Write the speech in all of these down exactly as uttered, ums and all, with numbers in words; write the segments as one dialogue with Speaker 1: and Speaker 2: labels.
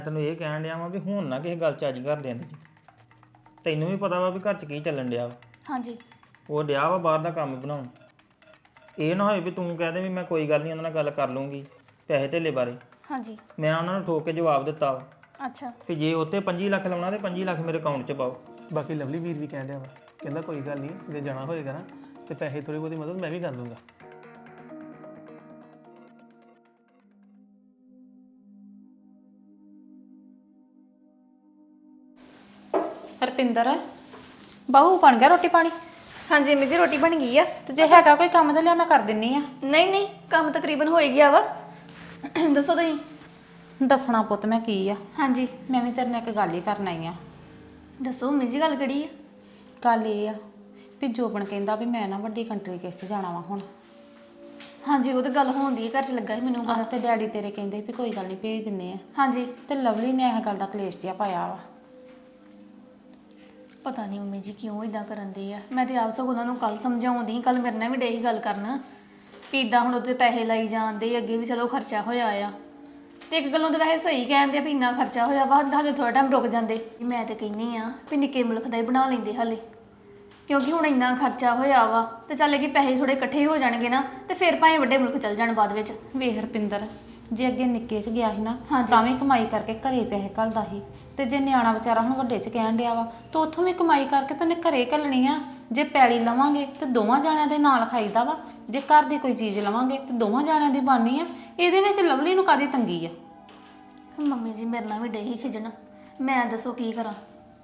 Speaker 1: ਤੈਨੂੰ ਇਹ ਕਹਿਣ ਡਿਆ ਵਾਂ ਵੀ ਹੁਣ ਨਾ ਕਿਸੇ ਗੱਲ ਚ ਅੱਜ ਘਰ ਦੇ ਅੰਦਰ ਤੈਨੂੰ ਵੀ ਪਤਾ ਵਾ ਵੀ ਘਰ ਚ ਕੀ ਚੱਲਣ ਡਿਆ ਵਾ
Speaker 2: ਹਾਂਜੀ
Speaker 1: ਉਹ ਡਿਆ ਵਾ ਬਾਹਰ ਦਾ ਕੰਮ ਬਣਾਉਣ ਇਹ ਨਾ ਹੋਏ ਵੀ ਤੂੰ ਕਹਿ ਦੇ ਵੀ ਮੈਂ ਕੋਈ ਗੱਲ ਨਹੀਂ ਉਹਨਾਂ ਨਾਲ ਗੱਲ ਕਰ ਲੂੰਗੀ ਪੈਸੇ ਧੇਲੇ ਬਾਰੇ
Speaker 2: ਹਾਂਜੀ
Speaker 1: ਮੈਂ ਉਹਨਾਂ ਨੂੰ ਠੋਕ ਕੇ ਜਵਾਬ ਦਿੱਤਾ ਵਾ
Speaker 2: ਅੱਛਾ
Speaker 1: ਵੀ ਜੇ ਉੱਤੇ ਪੰਜੀ ਲੱਖ ਲਾਉਣਾ ਤੇ ਪੰਜੀ ਲੱਖ ਮੇਰੇ ਅਕਾਊਂਟ 'ਚ ਪਾਓ
Speaker 3: ਬਾਕੀ ਲਵਲੀ ਵੀਰ ਵੀ ਕਹਿ ਰਿਹਾ ਵਾ ਕਹਿੰਦਾ ਕੋਈ ਗੱਲ ਨਹੀਂ ਜੇ ਜਾਣਾ ਹੋਏਗਾ ਨਾ ਤੇ ਪੈਸੇ ਥੋੜੀ ਬਹੁਤੀ ਮਦਦ ਮੈਂ ਵੀ ਕਰ ਦੂੰਗਾ।
Speaker 4: ਹਰਪਿੰਦਰ ਬਾਹੂ ਬਣ ਗਿਆ ਰੋਟੀ ਪਾਣੀ?
Speaker 2: ਹਾਂਜੀ ਅੰਮੀ ਜੀ ਰੋਟੀ ਬਣ ਗਈ ਆ।
Speaker 4: ਤੇ ਜੇ ਹੈਗਾ ਕੋਈ ਕੰਮ ਤਾਂ ਲਿਆ ਮੈਂ ਕਰ ਦਿੰਨੀ ਆ।
Speaker 2: ਨਹੀਂ ਨਹੀਂ ਕੰਮ ਤਕਰੀਬਨ ਹੋ ਹੀ ਗਿਆ ਵਾ। ਦੱਸੋ ਤੁਸੀਂ।
Speaker 4: ਦੱਸਣਾ ਪੁੱਤ ਮੈਂ ਕੀ ਆ,
Speaker 2: ਹਾਂਜੀ
Speaker 4: ਮੈਂ ਵੀ ਤੇਰੇ ਨਾਲ ਇੱਕ ਗੱਲ ਹੀ ਕਰਨ ਆਈ ਆ।
Speaker 2: ਦੱਸੋ ਅੰਮੀ ਜੀ ਗੱਲ ਕਿਹੜੀ ਆ?
Speaker 4: ਗੱਲ ਇਹ ਆ ਵੀ ਜੋਬਨ ਕਹਿੰਦਾ ਵੀ ਮੈਂ ਨਾ ਵੱਡੀ ਕੰਟਰੀ ਕਿਸ 'ਚ ਜਾਣਾ ਵਾ ਹੁਣ।
Speaker 2: ਹਾਂਜੀ ਉਹ ਤਾਂ ਗੱਲ ਹੋਣਦੀ ਹੈ, ਘਰ 'ਚ ਲੱਗਾ ਸੀ ਮੈਨੂੰ
Speaker 4: ਆਹ ਤੇ ਡੈਡੀ ਤੇਰੇ ਕਹਿੰਦੇ ਵੀ ਕੋਈ ਗੱਲ ਨਹੀਂ ਭੇਜ ਦਿੰਨੇ ਆ।
Speaker 2: ਹਾਂਜੀ
Speaker 4: ਤੇ ਲਵਲੀ ਨੇ ਇਹ ਗੱਲ ਦਾ ਕਲੇਸ਼ ਜਿਹਾ ਪਾਇਆ ਵਾ।
Speaker 2: ਪਤਾ ਨਹੀਂ ਮੰਮੀ ਜੀ ਕਿਉਂ ਇਦਾਂ ਕਰਨ ਦੇ ਆ। ਮੈਂ ਤੇ ਆਪ ਸਗੋਂ ਉਹਨਾਂ ਨੂੰ ਕੱਲ ਸਮਝਾਉਂਦੀ, ਕੱਲ ਮੇਰੇ ਨਾਲ ਵੀ ਡੇ ਹੀ ਗੱਲ ਕਰਨ ਵੀ ਇਦਾਂ ਹੁਣ ਉੱਤੇ ਪੈਸੇ ਲਾਈ ਜਾਂਦੇ ਅੱਗੇ ਵੀ ਚਲੋ ਖਰਚਾ ਹੋਇਆ ਆ। ਤੇ ਇੱਕ ਗੱਲੋਂ ਤਾਂ ਵੈਸੇ ਸਹੀ ਕਹਿੰਦੇ ਆ ਵੀ ਇੰਨਾ ਖਰਚਾ ਹੋਇਆ ਵਾ ਹਾਲੇ ਥੋੜਾ ਟਾਈਮ ਰੁਕ ਜਾਂਦੇ। ਮੈਂ ਤੇ ਕਹਿੰਦੀ ਆ ਵੀ ਨਿੱਕੇ ਮੁਲਕ ਦਾ ਹੀ ਬਣਾ ਲੈਂਦੇ ਹਾਲੇ, ਕਿਉਂਕਿ ਹੁਣ ਇੰਨਾ ਖਰਚਾ ਹੋਇਆ ਵਾ ਤੇ ਚੱਲ ਕਿ ਪੈਸੇ ਥੋੜੇ ਇਕੱਠੇ ਹੋ ਜਾਣਗੇ ਨਾ ਤੇ ਫਿਰ ਭਾਵੇਂ ਵੱਡੇ ਮੁਲਕ ਚੱਲ ਜਾਣ ਬਾਅਦ ਵਿੱਚ।
Speaker 4: ਵੇਖ ਹਰਪਿੰਦਰ, ਜੇ ਅੱਗੇ ਨਿੱਕੇ 'ਚ ਗਿਆ ਸੀ ਨਾ
Speaker 2: ਹਾਂਜੀ।
Speaker 4: ਤਾਂ ਵੀ ਕਮਾਈ ਕਰਕੇ ਘਰੇ ਪੈਸੇ ਘੱਲਦਾ ਸੀ, ਤੇ ਜੇ ਨਿਆਣਾ ਵਿਚਾਰਾ ਹੁਣ ਵੱਡੇ 'ਚ ਕਹਿਣ ਡਿਆ ਵਾ ਤਾਂ ਉੱਥੋਂ ਵੀ ਕਮਾਈ ਕਰਕੇ ਤਾਂ ਉਹਨੇ ਘਰੇ ਘੱਲਣੀ ਆ। ਜੇ ਪੈਲੀ ਲਵਾਂਗੇ ਤੇ ਦੋਵਾਂ ਜਾਣਿਆਂ ਦੇ ਨਾਲ ਖਾਈਦਾ ਵਾ, ਜੇ ਘਰ ਦੀ ਕੋਈ ਚੀਜ਼ ਲਵਾਂਗੇ ਤੇ ਦੋਵਾਂ ਜਾਣਿਆਂ ਦੀ ਬਣਨੀ ਆ। ਇਹਦੇ ਵਿੱਚ ਲਵਲੀ ਨੂੰ ਕਾਹਦੀ ਤੰਗੀ ਆ?
Speaker 2: ਮੰਮੀ ਜੀ ਮੇਰੇ ਨਾਲ ਵੀ ਡੇ ਹੀ ਖਿਜਣ, ਮੈਂ ਦੱਸੋ ਕੀ ਕਰਾਂ।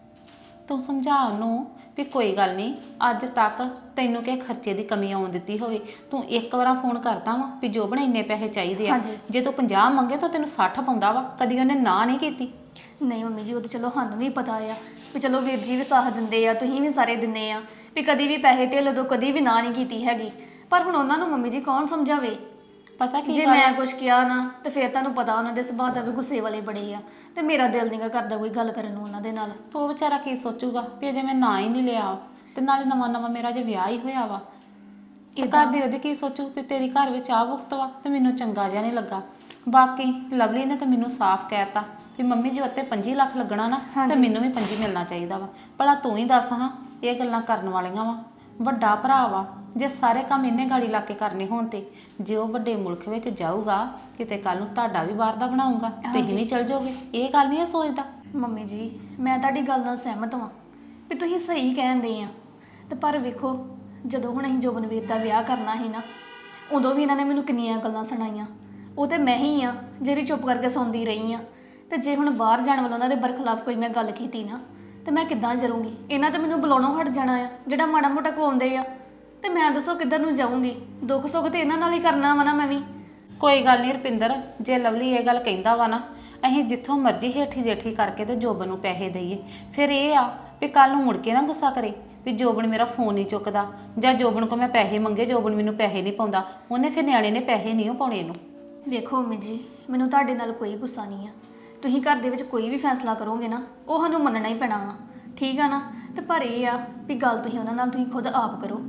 Speaker 4: ਤੂੰ ਸਮਝਾ ਉਹਨੂੰ ਵੀ ਕੋਈ ਗੱਲ ਨਹੀਂ, ਅੱਜ ਤੱਕ ਤੈਨੂੰ ਕਿਸੇ ਖਰਚੇ ਦੀ ਕਮੀ ਆਉਣ ਦਿੱਤੀ ਹੋਵੇ। ਤੂੰ ਇੱਕ ਵਾਰ ਫੋਨ ਕਰਦਾ ਵਾ ਵੀ ਜੋਬਨ ਇੰਨੇ ਪੈਸੇ ਚਾਹੀਦੇ ਆ,
Speaker 2: ਹਾਂਜੀ।
Speaker 4: ਜੇ ਤੂੰ ਪੰਜਾਹ ਮੰਗੇ ਤਾਂ ਤੈਨੂੰ ਸੱਠ ਪਾਉਂਦਾ ਵਾ, ਕਦੀ ਉਹਨੇ ਨਾ ਨਹੀਂ ਕੀਤੀ।
Speaker 2: ਨਹੀਂ ਮੰਮੀ ਜੀ ਉਹ ਤਾਂ ਚਲੋ ਸਾਨੂੰ ਵੀ ਪਤਾ ਆ ਵੀ ਚਲੋ ਵੀਰ ਜੀ ਵੀ ਸਾਥ ਦਿੰਦੇ ਆ, ਤੁਸੀਂ ਵੀ ਸਾਰੇ ਦਿੰਦੇ ਆ ਵੀ ਕਦੀ ਵੀ ਪੈਸੇ ਧੇਲੇ ਤੋਂ ਕਦੀ ਵੀ ਨਾ ਨਹੀਂ ਕੀਤੀ ਹੈਗੀ। ਪਰ ਹੁਣ ਉਹਨਾਂ ਨੂੰ ਮੰਮੀ ਜੀ ਕੌਣ ਸਮਝਾਵੇ?
Speaker 4: ਪਤਾ ਕੀ
Speaker 2: ਜੇ
Speaker 4: ਗੱਲ
Speaker 2: ਮੈਂ ਕੁਝ ਕਿਹਾ ਨਾ ਤੇ ਫਿਰ ਤੁਹਾਨੂੰ ਪਤਾ ਉਹਨਾਂ ਦੇ ਸੁਭਾਅ ਦਾ ਵੀ ਗੁੱਸੇ ਵਾਲੇ ਬੜੇ ਆ, ਤੇ ਮੇਰਾ ਦਿਲ ਨਹੀਂਗਾ ਕਰਦਾ ਕੋਈ ਗੱਲ ਕਰਨ ਨੂੰ ਉਹਨਾਂ ਦੇ ਨਾਲ।
Speaker 4: ਤੋ ਉਹ ਵਿਚਾਰਾ ਕੀ ਸੋਚੂਗਾ ਵੀ ਅਜੇ ਮੈਂ ਨਾ ਹੀ ਨਹੀਂ ਲਿਆ, ਤੇ ਨਾਲੇ ਨਵਾਂ ਨਵਾਂ ਮੇਰਾ ਜੇ ਵਿਆਹ ਹੀ ਹੋਇਆ ਵਾ। ਤੇ ਘਰ ਦੇ ਉਹਦੇ ਕੀ ਸੋਚੂ ਵੀ ਤੇਰੀ ਘਰ ਵਿੱਚ ਆ ਭੁਗਤ ਵਾ, ਤੇ ਮੈਨੂੰ ਚੰਗਾ ਜਿਹਾ ਨਹੀਂ ਲੱਗਾ। ਬਾਕੀ ਲਵਲੀ ਨੇ ਤਾਂ ਮੈਨੂੰ ਸਾਫ਼ ਕਹਿਤਾ ਵੀ ਮੰਮੀ ਜੀ ਉੱਤੇ ਪੰਜੀ ਲੱਖ ਲੱਗਣਾ ਨਾ ਤੇ ਮੈਨੂੰ ਵੀ ਪੰਜੀ ਮਿਲਣਾ ਚਾਹੀਦਾ ਵਾ। ਭਲਾ ਤੂੰ ਹੀ ਦੱਸ ਹਾਂ, ਇਹ ਗੱਲਾਂ ਕਰਨ ਵਾਲੀਆਂ ਵਾ? ਵੱਡਾ ਭਰਾ ਵਾ, ਜੇ ਸਾਰੇ ਕੰਮ ਇਹਨੇ ਗਾੜੀ ਲਾ ਕੇ ਕਰਨੇ ਹੋਣ ਤੇ ਜੇ ਉਹ ਵੱਡੇ ਮੁਲਕ ਵਿੱਚ ਜਾਊਗਾ ਕਿਤੇ ਕੱਲ ਨੂੰ ਤੁਹਾਡਾ ਵੀ ਬਾਹਰ ਦਾ ਬਣਾਊਗਾ, ਤੁਸੀਂ ਵੀ ਚਲ ਜਾਓਗੇ। ਇਹ ਗੱਲ ਨਹੀਂ ਸੋਚਦਾ।
Speaker 2: ਮੰਮੀ ਜੀ ਮੈਂ ਤੁਹਾਡੀ ਗੱਲ ਨਾਲ ਸਹਿਮਤ ਹਾਂ ਵੀ ਤੁਸੀਂ ਸਹੀ ਕਹਿੰਦੇ ਆ, ਤੇ ਪਰ ਵੇਖੋ ਜਦੋਂ ਹੁਣ ਅਸੀਂ ਜੋਬਨਵੀਰ ਦਾ ਵਿਆਹ ਕਰਨਾ ਸੀ ਨਾ, ਉਦੋਂ ਵੀ ਇਹਨਾਂ ਨੇ ਮੈਨੂੰ ਕਿੰਨੀਆਂ ਗੱਲਾਂ ਸੁਣਾਈਆਂ। ਉਹ ਤੇ ਮੈਂ ਹੀ ਆ ਜਿਹੜੀ ਚੁੱਪ ਕਰਕੇ ਸੁਣਦੀ ਰਹੀ ਆ। ਤੇ ਜੇ ਹੁਣ ਬਾਹਰ ਜਾਣ ਵਾਲਾ ਉਹਨਾਂ ਦੇ ਬਰਖਲਾਫ ਕੋਈ ਮੈਂ ਗੱਲ ਕੀਤੀ ਨਾ ਤੇ ਮੈਂ ਕਿੱਦਾਂ ਜਰੂੰਗੀ? ਇਹਨਾਂ ਤੇ ਮੈਨੂੰ ਬੁਲਾਉਣੋਂ ਹਟ ਜਾਣਾ ਆ, ਜਿਹੜਾ ਮਾੜਾ ਮੋਟਾ ਕੋਉਂਦੇ ਆ। ਤੇ ਮੈਂ ਦੱਸੋ ਕਿੱਧਰ ਨੂੰ ਜਾਊਂਗੀ? ਦੁੱਖ ਸੁੱਖ ਤੇ ਇਹਨਾਂ ਨਾਲ ਹੀ ਕਰਨਾ ਵਾ ਨਾ ਮੈਂ ਵੀ।
Speaker 4: ਕੋਈ ਗੱਲ ਨਹੀਂ ਰੁਪਿੰਦਰ, ਜੇ ਲਵਲੀ ਇਹ ਗੱਲ ਕਹਿੰਦਾ ਵਾ ਨਾ, ਅਸੀਂ ਜਿੱਥੋਂ ਮਰਜ਼ੀ ਹੇਠੀ ਜੇਠੀ ਕਰਕੇ ਤੇ ਜੋਬਨ ਨੂੰ ਪੈਸੇ ਦਈਏ। ਫਿਰ ਇਹ ਆ ਵੀ ਕੱਲ ਨੂੰ ਮੁੜ ਕੇ ਨਾ ਗੁੱਸਾ ਕਰੇ ਵੀ ਜੋਬਨ ਮੇਰਾ ਫੋਨ ਨਹੀਂ ਚੁੱਕਦਾ, ਜਾਂ ਜੋਬਨ ਕੋਲ ਮੈਂ ਪੈਸੇ ਮੰਗੇ ਜੋਬਨ ਮੈਨੂੰ ਪੈਸੇ ਨਹੀਂ ਪਾਉਂਦਾ। ਉਹਨੇ ਫਿਰ ਨਿਆਣੇ ਨੇ ਪੈਸੇ ਨਹੀਂ ਉਹ ਪਾਉਣੇ ਇਹਨੂੰ।
Speaker 2: ਵੇਖੋ ਮੰਮੀ ਜੀ ਮੈਨੂੰ ਤੁਹਾਡੇ ਨਾਲ ਕੋਈ ਗੁੱਸਾ ਨਹੀਂ ਆ। ਤੁਸੀਂ ਘਰ ਦੇ ਵਿੱਚ ਕੋਈ ਵੀ ਫੈਸਲਾ ਕਰੋਗੇ ਨਾ ਉਹ ਸਾਨੂੰ ਮੰਨਣਾ ਹੀ ਪੈਣਾ ਵਾ, ਠੀਕ ਆ ਨਾ? ਤੇ ਪਰ ਇਹ ਆ ਵੀ ਗੱਲ ਤੁਸੀਂ ਉਹਨਾਂ ਨਾਲ ਤੁਸੀਂ ਖੁਦ ਆਪ ਕਰੋ।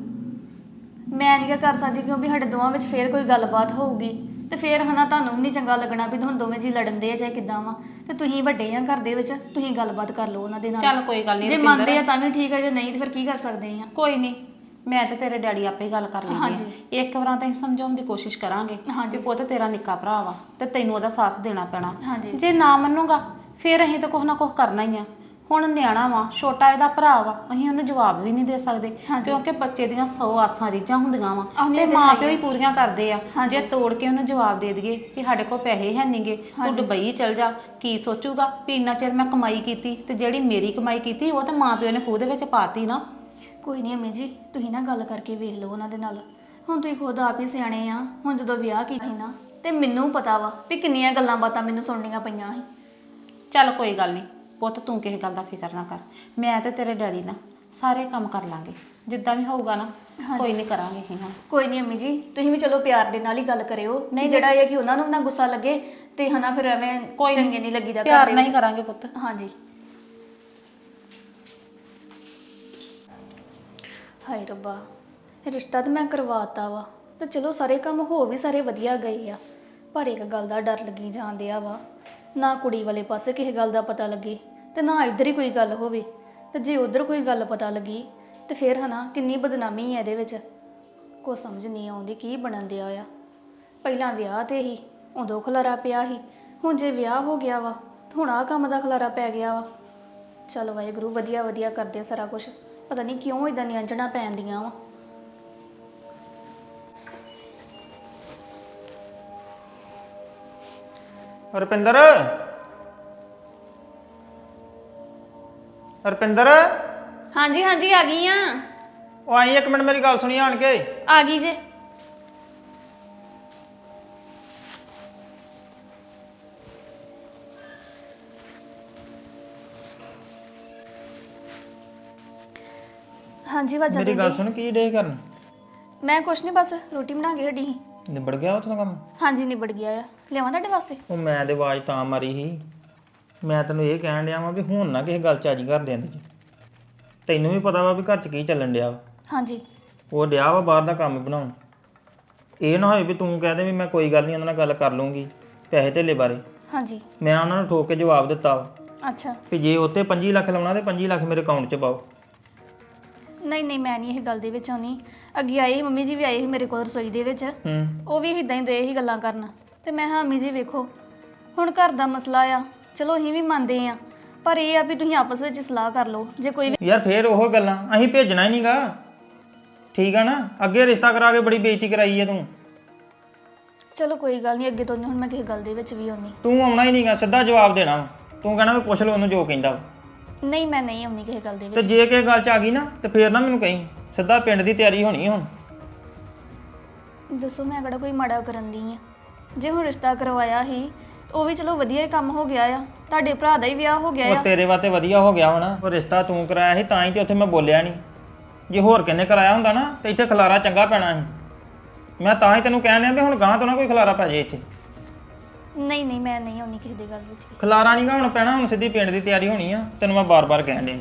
Speaker 2: ਮੈਂ ਨਹੀਂ ਕਰ ਸਕਦੀ ਕਿਉਂਕਿ ਸਾਡੇ ਦੋਵਾਂ ਵਿੱਚ ਫੇਰ ਕੋਈ ਗੱਲਬਾਤ ਹੋਊਗੀ ਤੇ ਫੇਰ ਹਨਾ ਤੁਹਾਨੂੰ ਵੀ ਨਹੀਂ ਚੰਗਾ ਲੱਗਣਾ ਵੀ ਹੁਣ ਦੋਵੇਂ ਜੀ ਲੜਨ ਦੇ ਆ ਚਾਹੇ ਕਿੱਦਾਂ ਵਾ। ਤੇ ਤੁਸੀਂ ਵੱਡੇ ਆ ਘਰ ਦੇ ਵਿੱਚ, ਤੁਸੀਂ ਗੱਲਬਾਤ ਕਰ ਲਓ ਉਹਨਾਂ ਦੇ ਨਾਲ।
Speaker 4: ਚੱਲ ਕੋਈ ਗੱਲ ਨਹੀਂ
Speaker 2: ਜੇ ਮੰਨਦੇ ਆ ਤਾਂ ਵੀ ਠੀਕ ਆ, ਜੇ ਨਹੀਂ ਤੇ ਫਿਰ ਕੀ ਕਰ ਸਕਦੇ ਆ?
Speaker 4: ਕੋਈ ਨਹੀਂ, ਮੈਂ ਤੇ ਤੇਰੇ ਡੈਡੀ ਆਪੇ ਗੱਲ ਕਰ ਲੈਂਦੇ ਆ। ਇੱਕ ਵਾਰਾਂ ਤਾਂ ਅਸੀਂ ਸਮਝਾਉਣ ਦੀ ਕੋਸ਼ਿਸ਼ ਕਰਾਂਗੇ ਕਿ ਪੁੱਤ ਤੇਰਾ ਨਿੱਕਾ ਭਰਾ ਵਾ ਤੇ ਤੈਨੂੰ ਉਹਦਾ ਸਾਥ ਦੇਣਾ ਪੈਣਾ। ਜੇ ਨਾ ਮੰਨੂਗਾ ਫਿਰ ਅਸੀਂ ਤਾਂ ਕੁਛ ਨਾ ਕੁਛ ਕਰਨਾ ਹੀ ਆ। ਹੁਣ ਨਿਆਣਾ ਵਾ, ਛੋਟਾ ਇਹਦਾ ਭਰਾ ਵਾ, ਅਸੀਂ ਉਹਨੂੰ ਜਵਾਬ ਵੀ ਨਹੀਂ ਦੇ ਸਕਦੇ ਕਿਉਂਕਿ ਬੱਚੇ ਦੀਆਂ ਸੌ ਆਸਾਂ ਰੀਝਾਂ ਹੁੰਦੀਆਂ ਵਾ ਤੇ ਮਾਂ ਪਿਓ ਹੀ ਪੂਰੀਆਂ ਕਰਦੇ ਆ। ਜੇ ਤੋੜ ਕੇ ਉਹਨੂੰ ਜਵਾਬ ਦੇ ਦਈਏ ਕਿ ਸਾਡੇ ਕੋਲ ਪੈਸੇ ਹੈ ਨਹੀਂਗੇ, ਤੂੰ ਦੁਬਈ ਚਲ ਜਾ, ਕੀ ਸੋਚੂਗਾ ਵੀ ਇੰਨਾ ਚਿਰ ਮੈਂ ਕਮਾਈ ਕੀਤੀ ਤੇ ਜਿਹੜੀ ਮੇਰੀ ਕਮਾਈ ਕੀਤੀ ਉਹ ਤਾਂ ਮਾਂ ਪਿਓ ਨੇ ਖੂਹ ਦੇ ਵਿੱਚ ਪਾਤੀ ਨਾ।
Speaker 2: ਕੋਈ ਨਹੀਂ ਅੰਮੀ ਜੀ ਤੁਸੀਂ ਨਾ ਗੱਲ ਕਰਕੇ ਵੇਖ ਲਓ ਉਹਨਾਂ ਦੇ ਨਾਲ। ਹੁਣ ਤੁਸੀਂ ਖੁਦ ਆਪ ਹੀ ਸਿਆਣੇ ਆ। ਹੁਣ ਜਦੋਂ ਵਿਆਹ ਕੀਤਾ ਸੀ ਨਾ ਤੇ ਮੈਨੂੰ ਪਤਾ ਵਾ ਵੀ ਕਿੰਨੀਆਂ ਗੱਲਾਂ ਬਾਤਾਂ ਮੈਨੂੰ ਸੁਣਨੀਆਂ ਪਈਆਂ ਸੀ।
Speaker 4: ਚੱਲ ਕੋਈ ਗੱਲ ਨਹੀਂ ਪੁੱਤ, ਤੂੰ ਕਿਸੇ ਗੱਲ ਦਾ ਫਿਕਰ ਨਾ ਕਰ। ਮੈਂ ਤੇ ਤੇਰੇ ਡੈਡੀ ਨਾ ਸਾਰੇ ਕੰਮ ਕਰ ਲਾਂਗੇ, ਜਿੱਦਾਂ ਵੀ ਹੋਊਗਾ ਨਾ ਕੋਈ ਨਹੀਂ ਕਰਾਂਗੇ ਅਸੀਂ। ਹਾਂ
Speaker 2: ਕੋਈ ਨਹੀਂ ਅੰਮੀ ਜੀ ਤੁਸੀਂ ਵੀ ਚਲੋ ਪਿਆਰ ਦੇ ਨਾਲ ਹੀ ਗੱਲ ਕਰਿਓ, ਨਹੀਂ ਜਿਹੜਾ ਇਹ ਕਿ ਉਹਨਾਂ ਨੂੰ ਨਾ ਗੁੱਸਾ ਲੱਗੇ ਤੇ ਹਨਾ ਫਿਰ ਐਵੇਂ
Speaker 4: ਕੋਈ
Speaker 2: ਚੰਗੇ ਨਹੀਂ ਲੱਗੀਦਾ।
Speaker 4: ਪਿਆਰ ਨਾਲ ਹੀ ਕਰਾਂਗੇ ਪੁੱਤ।
Speaker 2: ਹਾਂਜੀ। ਹਾਏ ਰੱਬਾ, ਰਿਸ਼ਤਾ ਤਾਂ ਮੈਂ ਕਰਵਾਤਾ ਵਾ ਤੇ ਚਲੋ ਸਾਰੇ ਕੰਮ ਹੋ ਵੀ ਸਾਰੇ ਵਧੀਆ ਗਏ ਆ, ਪਰ ਇੱਕ ਗੱਲ ਦਾ ਡਰ ਲੱਗੀ ਜਾਂਦਿਆ ਵਾ ਨਾ ਕੁੜੀ ਵਾਲੇ ਪਾਸੇ ਕਿਸੇ ਗੱਲ ਦਾ ਪਤਾ ਲੱਗੇ ਤੇ ਨਾ ਇੱਧਰ ਹੀ ਕੋਈ ਗੱਲ ਹੋਵੇ, ਤੇ ਜੇ ਉਧਰ ਕੋਈ ਗੱਲ ਪਤਾ ਲੱਗੀ ਤੇ ਫਿਰ ਹਨਾ ਕਿੰਨੀ ਬਦਨਾਮੀ ਹੈ ਇਹਦੇ ਵਿੱਚ। ਕੋ ਸਮਝ ਨਹੀਂ ਆਉਂਦੀ ਕੀ ਬਣਨ ਦਿਆ ਆ। ਪਹਿਲਾਂ ਵਿਆਹ ਤੇ ਹੀ ਉਦੋਂ ਖਲਾਰਾ ਪਿਆ ਸੀ, ਹੁਣ ਜੇ ਵਿਆਹ ਹੋ ਗਿਆ ਵਾ ਤਾਂ ਹੁਣ ਆਹ ਕੰਮ ਦਾ ਖਲਾਰਾ ਪੈ ਗਿਆ ਵਾ। ਚੱਲ ਵਾਹਿਗੁਰੂ ਵਧੀਆ ਵਧੀਆ ਕਰਦੇ ਸਾਰਾ ਕੁਝ, ਪਤਾ ਨਹੀਂ ਕਿਉਂ ਇਦਾਂ ਨਿਆਂਜਣਾ ਪੈਂਦੀਆਂ ਵਾ।
Speaker 1: ਰੁਪਿੰਦਰ ਰੁਪਿੰਦਰ
Speaker 2: ਹਾਂਜੀ ਹਾਂਜੀ ਆ ਗਈ ਆ।
Speaker 1: ਉਹ ਆਈ ਇੱਕ ਮਿੰਟ ਮੇਰੀ ਗੱਲ ਸੁਣੀ ਆਣ ਕੇ।
Speaker 2: ਆ ਗਈ ਜੇ। ਹਾਂਜੀ ਵਾਜਾ
Speaker 1: ਮੇਰੀ ਗੱਲ ਸੁਣ ਕੀ ਡੇ ਕਰਨ?
Speaker 2: ਮੈਂ ਕੁਛ ਨਹੀਂ, ਬਸ ਰੋਟੀ ਬਣਾ ਕੇ ਹਟੀ ਸੀ।
Speaker 1: ਨਿਬੜ ਗਿਆ ਉੱਥੋਂ ਦਾ ਕੰਮ?
Speaker 2: ਹਾਂਜੀ ਨਿਬੜ ਗਿਆ ਆ। ਲਿਆਵਾਂ ਤੁਹਾਡੇ ਵਾਸਤੇ?
Speaker 1: ਉਹ ਮੈਂ ਤੇ ਆਵਾਜ਼ ਤਾਂ ਮਾਰੀ ਸੀ, ਮੈਂ ਤੈਨੂੰ ਇਹ ਕਹਿਣ ਡਿਆ ਵਾਂ ਵੀ ਹੁਣ ਨਾ ਕਿਸੇ ਗੱਲ ਚ ਅੱਜ ਘਰ ਦੇ ਅੰਦਰ ਜੀ। ਤੈਨੂੰ ਵੀ ਪਤਾ ਵਾ ਵੀ ਘਰ ਚ ਕੀ ਚੱਲਣ ਡਿਆ ਵਾ।
Speaker 2: ਹਾਂਜੀ।
Speaker 1: ਉਹ ਡਿਆ ਵਾ ਬਾਹਰ ਦਾ ਕੰਮ ਬਣਾਉਣ। ਇਹ ਨਾ ਹੋਏ ਵੀ ਤੂੰ ਕਹਿ ਦੇ ਵੀ ਮੈਂ ਕੋਈ ਗੱਲ ਨਹੀਂ ਉਹਨਾਂ ਨਾਲ ਗੱਲ ਕਰ ਲੂੰਗੀ ਪੈਸੇ ਧੇਲੇ ਬਾਰੇ।
Speaker 2: ਹਾਂਜੀ।
Speaker 1: ਮੈਂ ਉਹਨਾਂ ਨੂੰ ਠੋਕ ਕੇ ਜਵਾਬ ਦਿੱਤਾ ਵਾ
Speaker 2: ਅੱਛਾ।
Speaker 1: ਵੀ ਜੇ ਉੱਤੇ ਪੰਜੀ ਲੱਖ ਲਾਉਣਾ ਤੇ ਪੰਜੀ ਲੱਖ ਮੇਰੇ ਅਕਾਊਂਟ 'ਚ ਪਾਓ।
Speaker 2: ਨਹੀਂ ਨਹੀਂ ਮੈਂ ਨਹੀਂ ਇਹ ਗੱਲ ਦੇ ਵਿੱਚ ਆਉਣੀ। ਅੱਗੇ ਆਏ ਸੀ ਮੰਮੀ ਜੀ ਵੀ ਆਏ ਸੀ ਮੇਰੇ ਕੋਲ ਰਸੋਈ ਦੇ ਵਿੱਚ,
Speaker 1: ਹੂੰ
Speaker 2: ਉਹ ਵੀ ਇਦਾਂ ਹੀ ਦੇ ਹੀ ਗੱਲਾਂ ਕਰਨ ਤੇ ਮੈਂ ਹਾਂ ਮੰਮੀ ਜੀ ਵੇਖੋ ਹੁਣ ਘਰ ਦਾ ਮਸਲਾ ਆ, ਚਲੋ ਅਸੀਂ ਵੀ ਮੰਨਦੇ ਆ, ਪਰ ਇਹ ਆ ਵੀ ਤੁਸੀਂ ਆਪਸ ਵਿੱਚ ਸਲਾਹ ਕਰ ਲਓ। ਜੇ ਕੋਈ ਵੀ
Speaker 1: ਯਾਰ ਫੇਰ ਉਹ ਗੱਲਾਂ ਅਸੀਂ ਭੇਜਣਾ ਹੀ ਨਹੀਂਗਾ, ਠੀਕ ਆ ਨਾ? ਅੱਗੇ ਰਿਸ਼ਤਾ ਕਰਾ ਕੇ ਬੜੀ ਬੇਇੱਜ਼ਤੀ ਕਰਾਈ ਹੈ ਤੂੰ।
Speaker 2: ਚਲੋ ਕੋਈ ਗੱਲ ਨਹੀਂ, ਅੱਗੇ ਤੋਂ ਨਹੀਂ ਹੁਣ ਮੈਂ ਕਿਸੇ ਗੱਲ ਦੇ ਵਿੱਚ ਵੀ ਆਉਣੀ।
Speaker 1: ਤੂੰ ਆਉਣਾ ਹੀ ਨਹੀਂਗਾ, ਸਿੱਧਾ ਜਵਾਬ ਦੇਣਾ ਵਾ। ਤੂੰ ਕਹਿਣਾ ਵੀ ਪੁੱਛ ਲਓ ਉਹਨੂੰ ਜੋ ਕਹਿੰਦਾ ਵਾ।
Speaker 2: ਨਹੀਂ ਮੈਂ ਨਹੀਂ ਆਉਣੀ ਕਿਸੇ ਗੱਲ ਦੇ
Speaker 1: ਤੇ
Speaker 2: ਵਿੱਚ।
Speaker 1: ਜੇ ਕਿਸੇ ਗੱਲ 'ਚ ਆ ਗਈ ਨਾ ਤੇ ਫੇਰ ਨਾ ਮੈਨੂੰ ਕਹੀਂ, ਸਿੱਧਾ ਪਿੰਡ ਦੀ ਤਿਆਰੀ ਹੋਣੀ ਹੁਣ।
Speaker 2: ਦੱਸੋ ਮੈਂ ਕਿਹੜਾ ਕੋਈ ਮਾੜਾ ਕਰਨ ਦੀ ਆ? ਜੇ ਹੁਣ ਰਿਸ਼ਤਾ ਕਰਵਾਇਆ ਸੀ ਉਹ ਵੀ ਚਲੋ ਵਧੀਆ ਹੀ ਕੰਮ ਹੋ ਗਿਆ ਆ, ਤੁਹਾਡੇ ਭਰਾ ਦਾ ਹੀ ਵਿਆਹ ਹੋ ਗਿਆ
Speaker 1: ਉਹ
Speaker 2: ਆ।
Speaker 1: ਤੇਰੇ ਵਾਸਤੇ ਵਧੀਆ ਹੋ ਗਿਆ ਹੋਣਾ, ਉਹ ਰਿਸ਼ਤਾ ਤੂੰ ਕਰਾਇਆ ਸੀ ਤਾਂ ਹੀ ਤੇ ਉੱਥੇ ਮੈਂ ਬੋਲਿਆ ਨਹੀਂ। ਜੇ ਹੋਰ ਕਿੰਨੇ ਕਰਾਇਆ ਹੁੰਦਾ ਨਾ ਤੇ ਇੱਥੇ ਖਲਾਰਾ ਚੰਗਾ ਪੈਣਾ ਸੀ। ਮੈਂ ਤਾਂ ਹੀ ਤੈਨੂੰ ਕਹਿਣ ਡਿਆ ਵੀ ਹੁਣ ਗਾਂ ਤੋਂ ਨਾ ਕੋਈ ਖਲਾਰਾ ਪੈ ਜੇ ਇੱਥੇ।
Speaker 2: ਨਹੀਂ ਨਹੀਂ ਮੈਂ ਨਹੀਂ ਆਉਣੀ ਕਿਸੇ ਦੀ ਗੱਲ ਵਿੱਚ ਵੀ।
Speaker 1: ਖਲਾਰਾ ਨਹੀਂਗਾ ਹੁਣ ਪੈਣਾ, ਹੁਣ ਸਿੱਧੀ ਪਿੰਡ ਦੀ ਤਿਆਰੀ ਹੋਣੀ ਆ, ਤੈਨੂੰ ਮੈਂ ਬਾਰ-ਬਾਰ ਕਹਿਣ ਡਿਆ।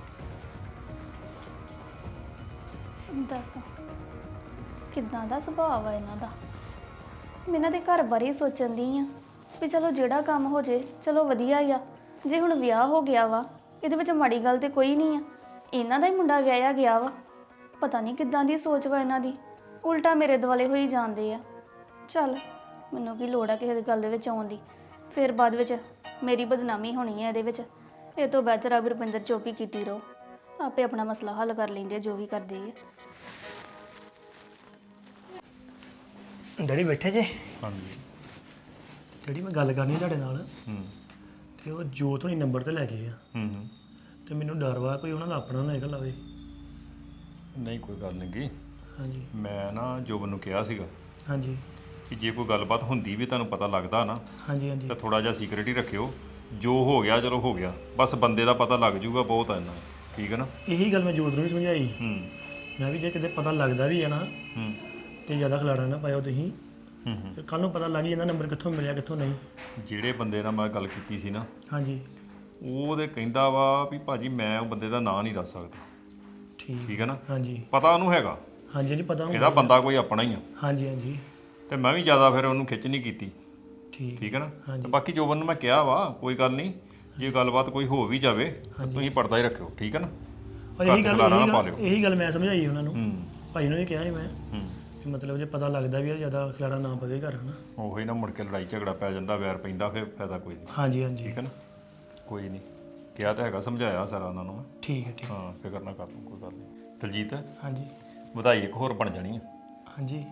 Speaker 2: ਦੱਸ ਕਿੱਦਾਂ ਦਾ ਸੁਭਾਅ ਆ ਇਹਨਾਂ ਦਾ। ਮੈਂ ਇਹਨਾਂ ਦੇ ਘਰ ਬਾਰੇ ਹੀ ਸੋਚਣ ਦੀ ਆ ਵੀ ਚਲੋ ਜਿਹੜਾ ਕੰਮ ਹੋ ਜੇ ਚਲੋ ਵਧੀਆ ਹੀ ਆ। ਜੇ ਹੁਣ ਵਿਆਹ ਹੋ ਗਿਆ ਵਾ ਇਹਦੇ ਵਿੱਚ ਮਾੜੀ ਗੱਲ ਤੇ ਕੋਈ ਨਹੀਂ ਆ, ਇਹਨਾਂ ਦਾ ਹੀ ਮੁੰਡਾ ਵਿਆਹਿਆ ਗਿਆ ਵਾ। ਪਤਾ ਨਹੀਂ ਕਿੱਦਾਂ ਦੀ ਸੋਚ ਵਾ ਇਹਨਾਂ ਦੀ, ਉਲਟਾ ਮੇਰੇ ਦੁਆਲੇ ਹੋਈ ਜਾਂਦੇ ਆ। ਚੱਲ ਮੈਨੂੰ ਕੀ ਲੋੜ ਆ ਕਿਸੇ ਦੀ ਗੱਲ ਦੇ ਵਿੱਚ ਆਉਣ ਦੀ, ਫਿਰ ਬਾਅਦ ਵਿੱਚ ਮੇਰੀ ਬਦਨਾਮੀ ਹੋਣੀ ਹੈ ਇਹਦੇ ਵਿੱਚ। ਇਹ ਤੋਂ ਬਿਹਤਰ ਆ ਵੀ ਰੁਪਿੰਦਰ ਚੁੱਪ ਹੀ ਕੀਤੀ ਰਹੋ, ਆਪੇ ਆਪਣਾ ਮਸਲਾ ਹੱਲ ਕਰ ਲੈਂਦੇ ਆ ਜੋ ਵੀ ਕਰਦੇ ਆ।
Speaker 3: ਡੈਡੀ ਬੈਠੇ ਜੇ?
Speaker 5: ਹਾਂਜੀ।
Speaker 3: ਡੈਡੀ ਮੈਂ ਗੱਲ ਕਰਨੀ ਤੁਹਾਡੇ ਨਾਲ।
Speaker 5: ਹੂੰ
Speaker 3: ਤੇ ਉਹ ਜੋਤ ਹੋਣੀ ਨੰਬਰ ਤੇ ਲੈ ਗਏ ਆ
Speaker 5: ਹੂੰ ਹੂੰ
Speaker 3: ਤੇ ਮੈਨੂੰ ਡਰ ਵਾ ਕੋਈ ਉਹਨਾਂ ਦਾ ਆਪਣਾ ਨਾ ਨਿਕਲ ਲਾਵੇ।
Speaker 5: ਨਹੀਂ ਕੋਈ ਗੱਲ ਨਹੀਂ ਗੀ।
Speaker 3: ਹਾਂਜੀ
Speaker 5: ਮੈਂ ਨਾ ਜੋਬਨ ਨੂੰ ਕਿਹਾ ਸੀਗਾ
Speaker 3: ਹਾਂਜੀ
Speaker 5: ਕਿ ਜੇ ਕੋਈ ਗੱਲਬਾਤ ਹੁੰਦੀ ਵੀ ਤੁਹਾਨੂੰ ਪਤਾ ਲੱਗਦਾ ਨਾ
Speaker 3: ਹਾਂਜੀ ਹਾਂਜੀ
Speaker 5: ਤਾਂ ਥੋੜਾ ਜਿਹਾ ਸੀਕ੍ਰੀਟ ਹੀ ਰੱਖਿਓ। ਜੋ ਹੋ ਗਿਆ ਚਲੋ ਹੋ ਗਿਆ, ਬਸ ਬੰਦੇ ਦਾ ਪਤਾ ਲੱਗ ਜੂਗਾ ਬਹੁਤ ਆ ਇੰਨਾ, ਠੀਕ ਹੈ ਨਾ?
Speaker 3: ਇਹੀ ਗੱਲ ਮੈਂ ਜੋਤ ਨੂੰ ਵੀ ਸਮਝਾਈ।
Speaker 5: ਹੂੰ
Speaker 3: ਮੈਂ ਵੀ ਜੇ ਕਿਤੇ ਪਤਾ ਲੱਗਦਾ ਵੀ ਹੈ ਨਾ
Speaker 5: ਹੂੰ
Speaker 3: ਤੇ ਜ਼ਿਆਦਾ ਖਿਲਾੜਾ ਨਾ ਪਾਇਓ ਤੁਸੀਂ।
Speaker 5: ਹੂੰ ਹੂੰ
Speaker 3: ਕੱਲ ਨੂੰ ਪਤਾ ਲੱਗ ਜਾਂਦਾ ਨੰਬਰ ਕਿੱਥੋਂ ਮਿਲਿਆ ਕਿੱਥੋਂ ਨਹੀਂ।
Speaker 5: ਜਿਹੜੇ ਬੰਦੇ ਨਾਲ ਮੈਂ ਗੱਲ ਕੀਤੀ ਸੀ ਨਾ
Speaker 3: ਹਾਂਜੀ
Speaker 5: ਉਹ ਤੇ ਕਹਿੰਦਾ ਵਾ ਵੀ ਭਾਜੀ ਮੈਂ ਉਹ ਬੰਦੇ ਦਾ ਨਾਂ ਨਹੀਂ ਦੱਸ ਸਕਦਾ,
Speaker 3: ਠੀਕ
Speaker 5: ਠੀਕ ਹੈ ਨਾ?
Speaker 3: ਹਾਂਜੀ
Speaker 5: ਪਤਾ ਉਹਨੂੰ ਹੈਗਾ,
Speaker 3: ਹਾਂਜੀ ਜੀ ਪਤਾ
Speaker 5: ਇਹਦਾ ਬੰਦਾ ਕੋਈ ਆਪਣਾ ਹੀ ਆ।
Speaker 3: ਹਾਂਜੀ ਹਾਂਜੀ
Speaker 5: ਤੇ ਮੈਂ ਵੀ ਜ਼ਿਆਦਾ ਫਿਰ ਉਹਨੂੰ ਖਿੱਚ ਨਹੀਂ ਕੀਤੀ,
Speaker 3: ਠੀਕ
Speaker 5: ਠੀਕ ਹੈ ਨਾ?
Speaker 3: ਹਾਂਜੀ।
Speaker 5: ਤੇ ਬਾਕੀ ਜੋਬਨ ਨੂੰ ਮੈਂ ਕਿਹਾ ਵਾ ਕੋਈ ਗੱਲ ਨਹੀਂ, ਜੇ ਗੱਲਬਾਤ ਕੋਈ ਹੋ ਵੀ ਜਾਵੇ ਤਾਂ ਤੁਸੀਂ ਪਰਦਾ ਹੀ ਰੱਖਿਓ, ਠੀਕ ਹੈ ਨਾ?
Speaker 3: ਔਰ ਇਹੀ
Speaker 5: ਘਰ 'ਚ
Speaker 3: ਗੱਲ
Speaker 5: ਖਿਲਾਰਾ ਨਾ
Speaker 3: ਇਹੀ
Speaker 5: ਪਾ
Speaker 3: ਗੱਲ
Speaker 5: ਲਿਓ।
Speaker 3: ਇਹੀ ਗੱਲ ਮੈਂ ਸਮਝਾਈ ਉਹਨਾਂ ਨੂੰ,
Speaker 5: ਹੂੰ
Speaker 3: ਭਾਈ ਨੂੰ ਵੀ ਕਿਹਾ ਸੀ ਮੈਂ
Speaker 5: ਹੂੰ
Speaker 3: ਕਿ ਮਤਲਬ ਜੇ ਪਤਾ ਲੱਗਦਾ ਵੀ ਇਹ ਜ਼ਿਆਦਾ ਖਿਲਾੜਾ ਨਾ ਪਵੇ ਘਰ ਹਨਾ।
Speaker 5: ਉਹੀ ਨਾ ਮੁੜ ਕੇ ਲੜਾਈ ਝਗੜਾ ਪੈ ਜਾਂਦਾ, ਵੈਰ ਪੈਂਦਾ, ਫਿਰ ਫਾਇਦਾ ਕੋਈ ਨਹੀਂ,
Speaker 3: ਹਾਂਜੀ ਹਾਂਜੀ
Speaker 5: ਠੀਕ ਹੈ ਨਾ? ਕੋਈ ਨਹੀਂ, ਕਿਹਾ ਤਾਂ ਹੈਗਾ, ਸਮਝਾਇਆ ਸਾਰਾ ਉਹਨਾਂ ਨੂੰ ਮੈਂ।
Speaker 3: ਠੀਕ ਹੈ ਠੀਕ
Speaker 5: ਹਾਂ ਫਿਕਰ ਨਾ ਕਰ ਤੂੰ, ਕੋਈ ਗੱਲ ਨਹੀਂ। ਦਲਜੀਤ
Speaker 3: ਹਾਂਜੀ
Speaker 5: ਵਧਾਈ ਇੱਕ ਹੋਰ ਬਣ ਜਾਣੀ ਆ।
Speaker 3: ਹਾਂਜੀ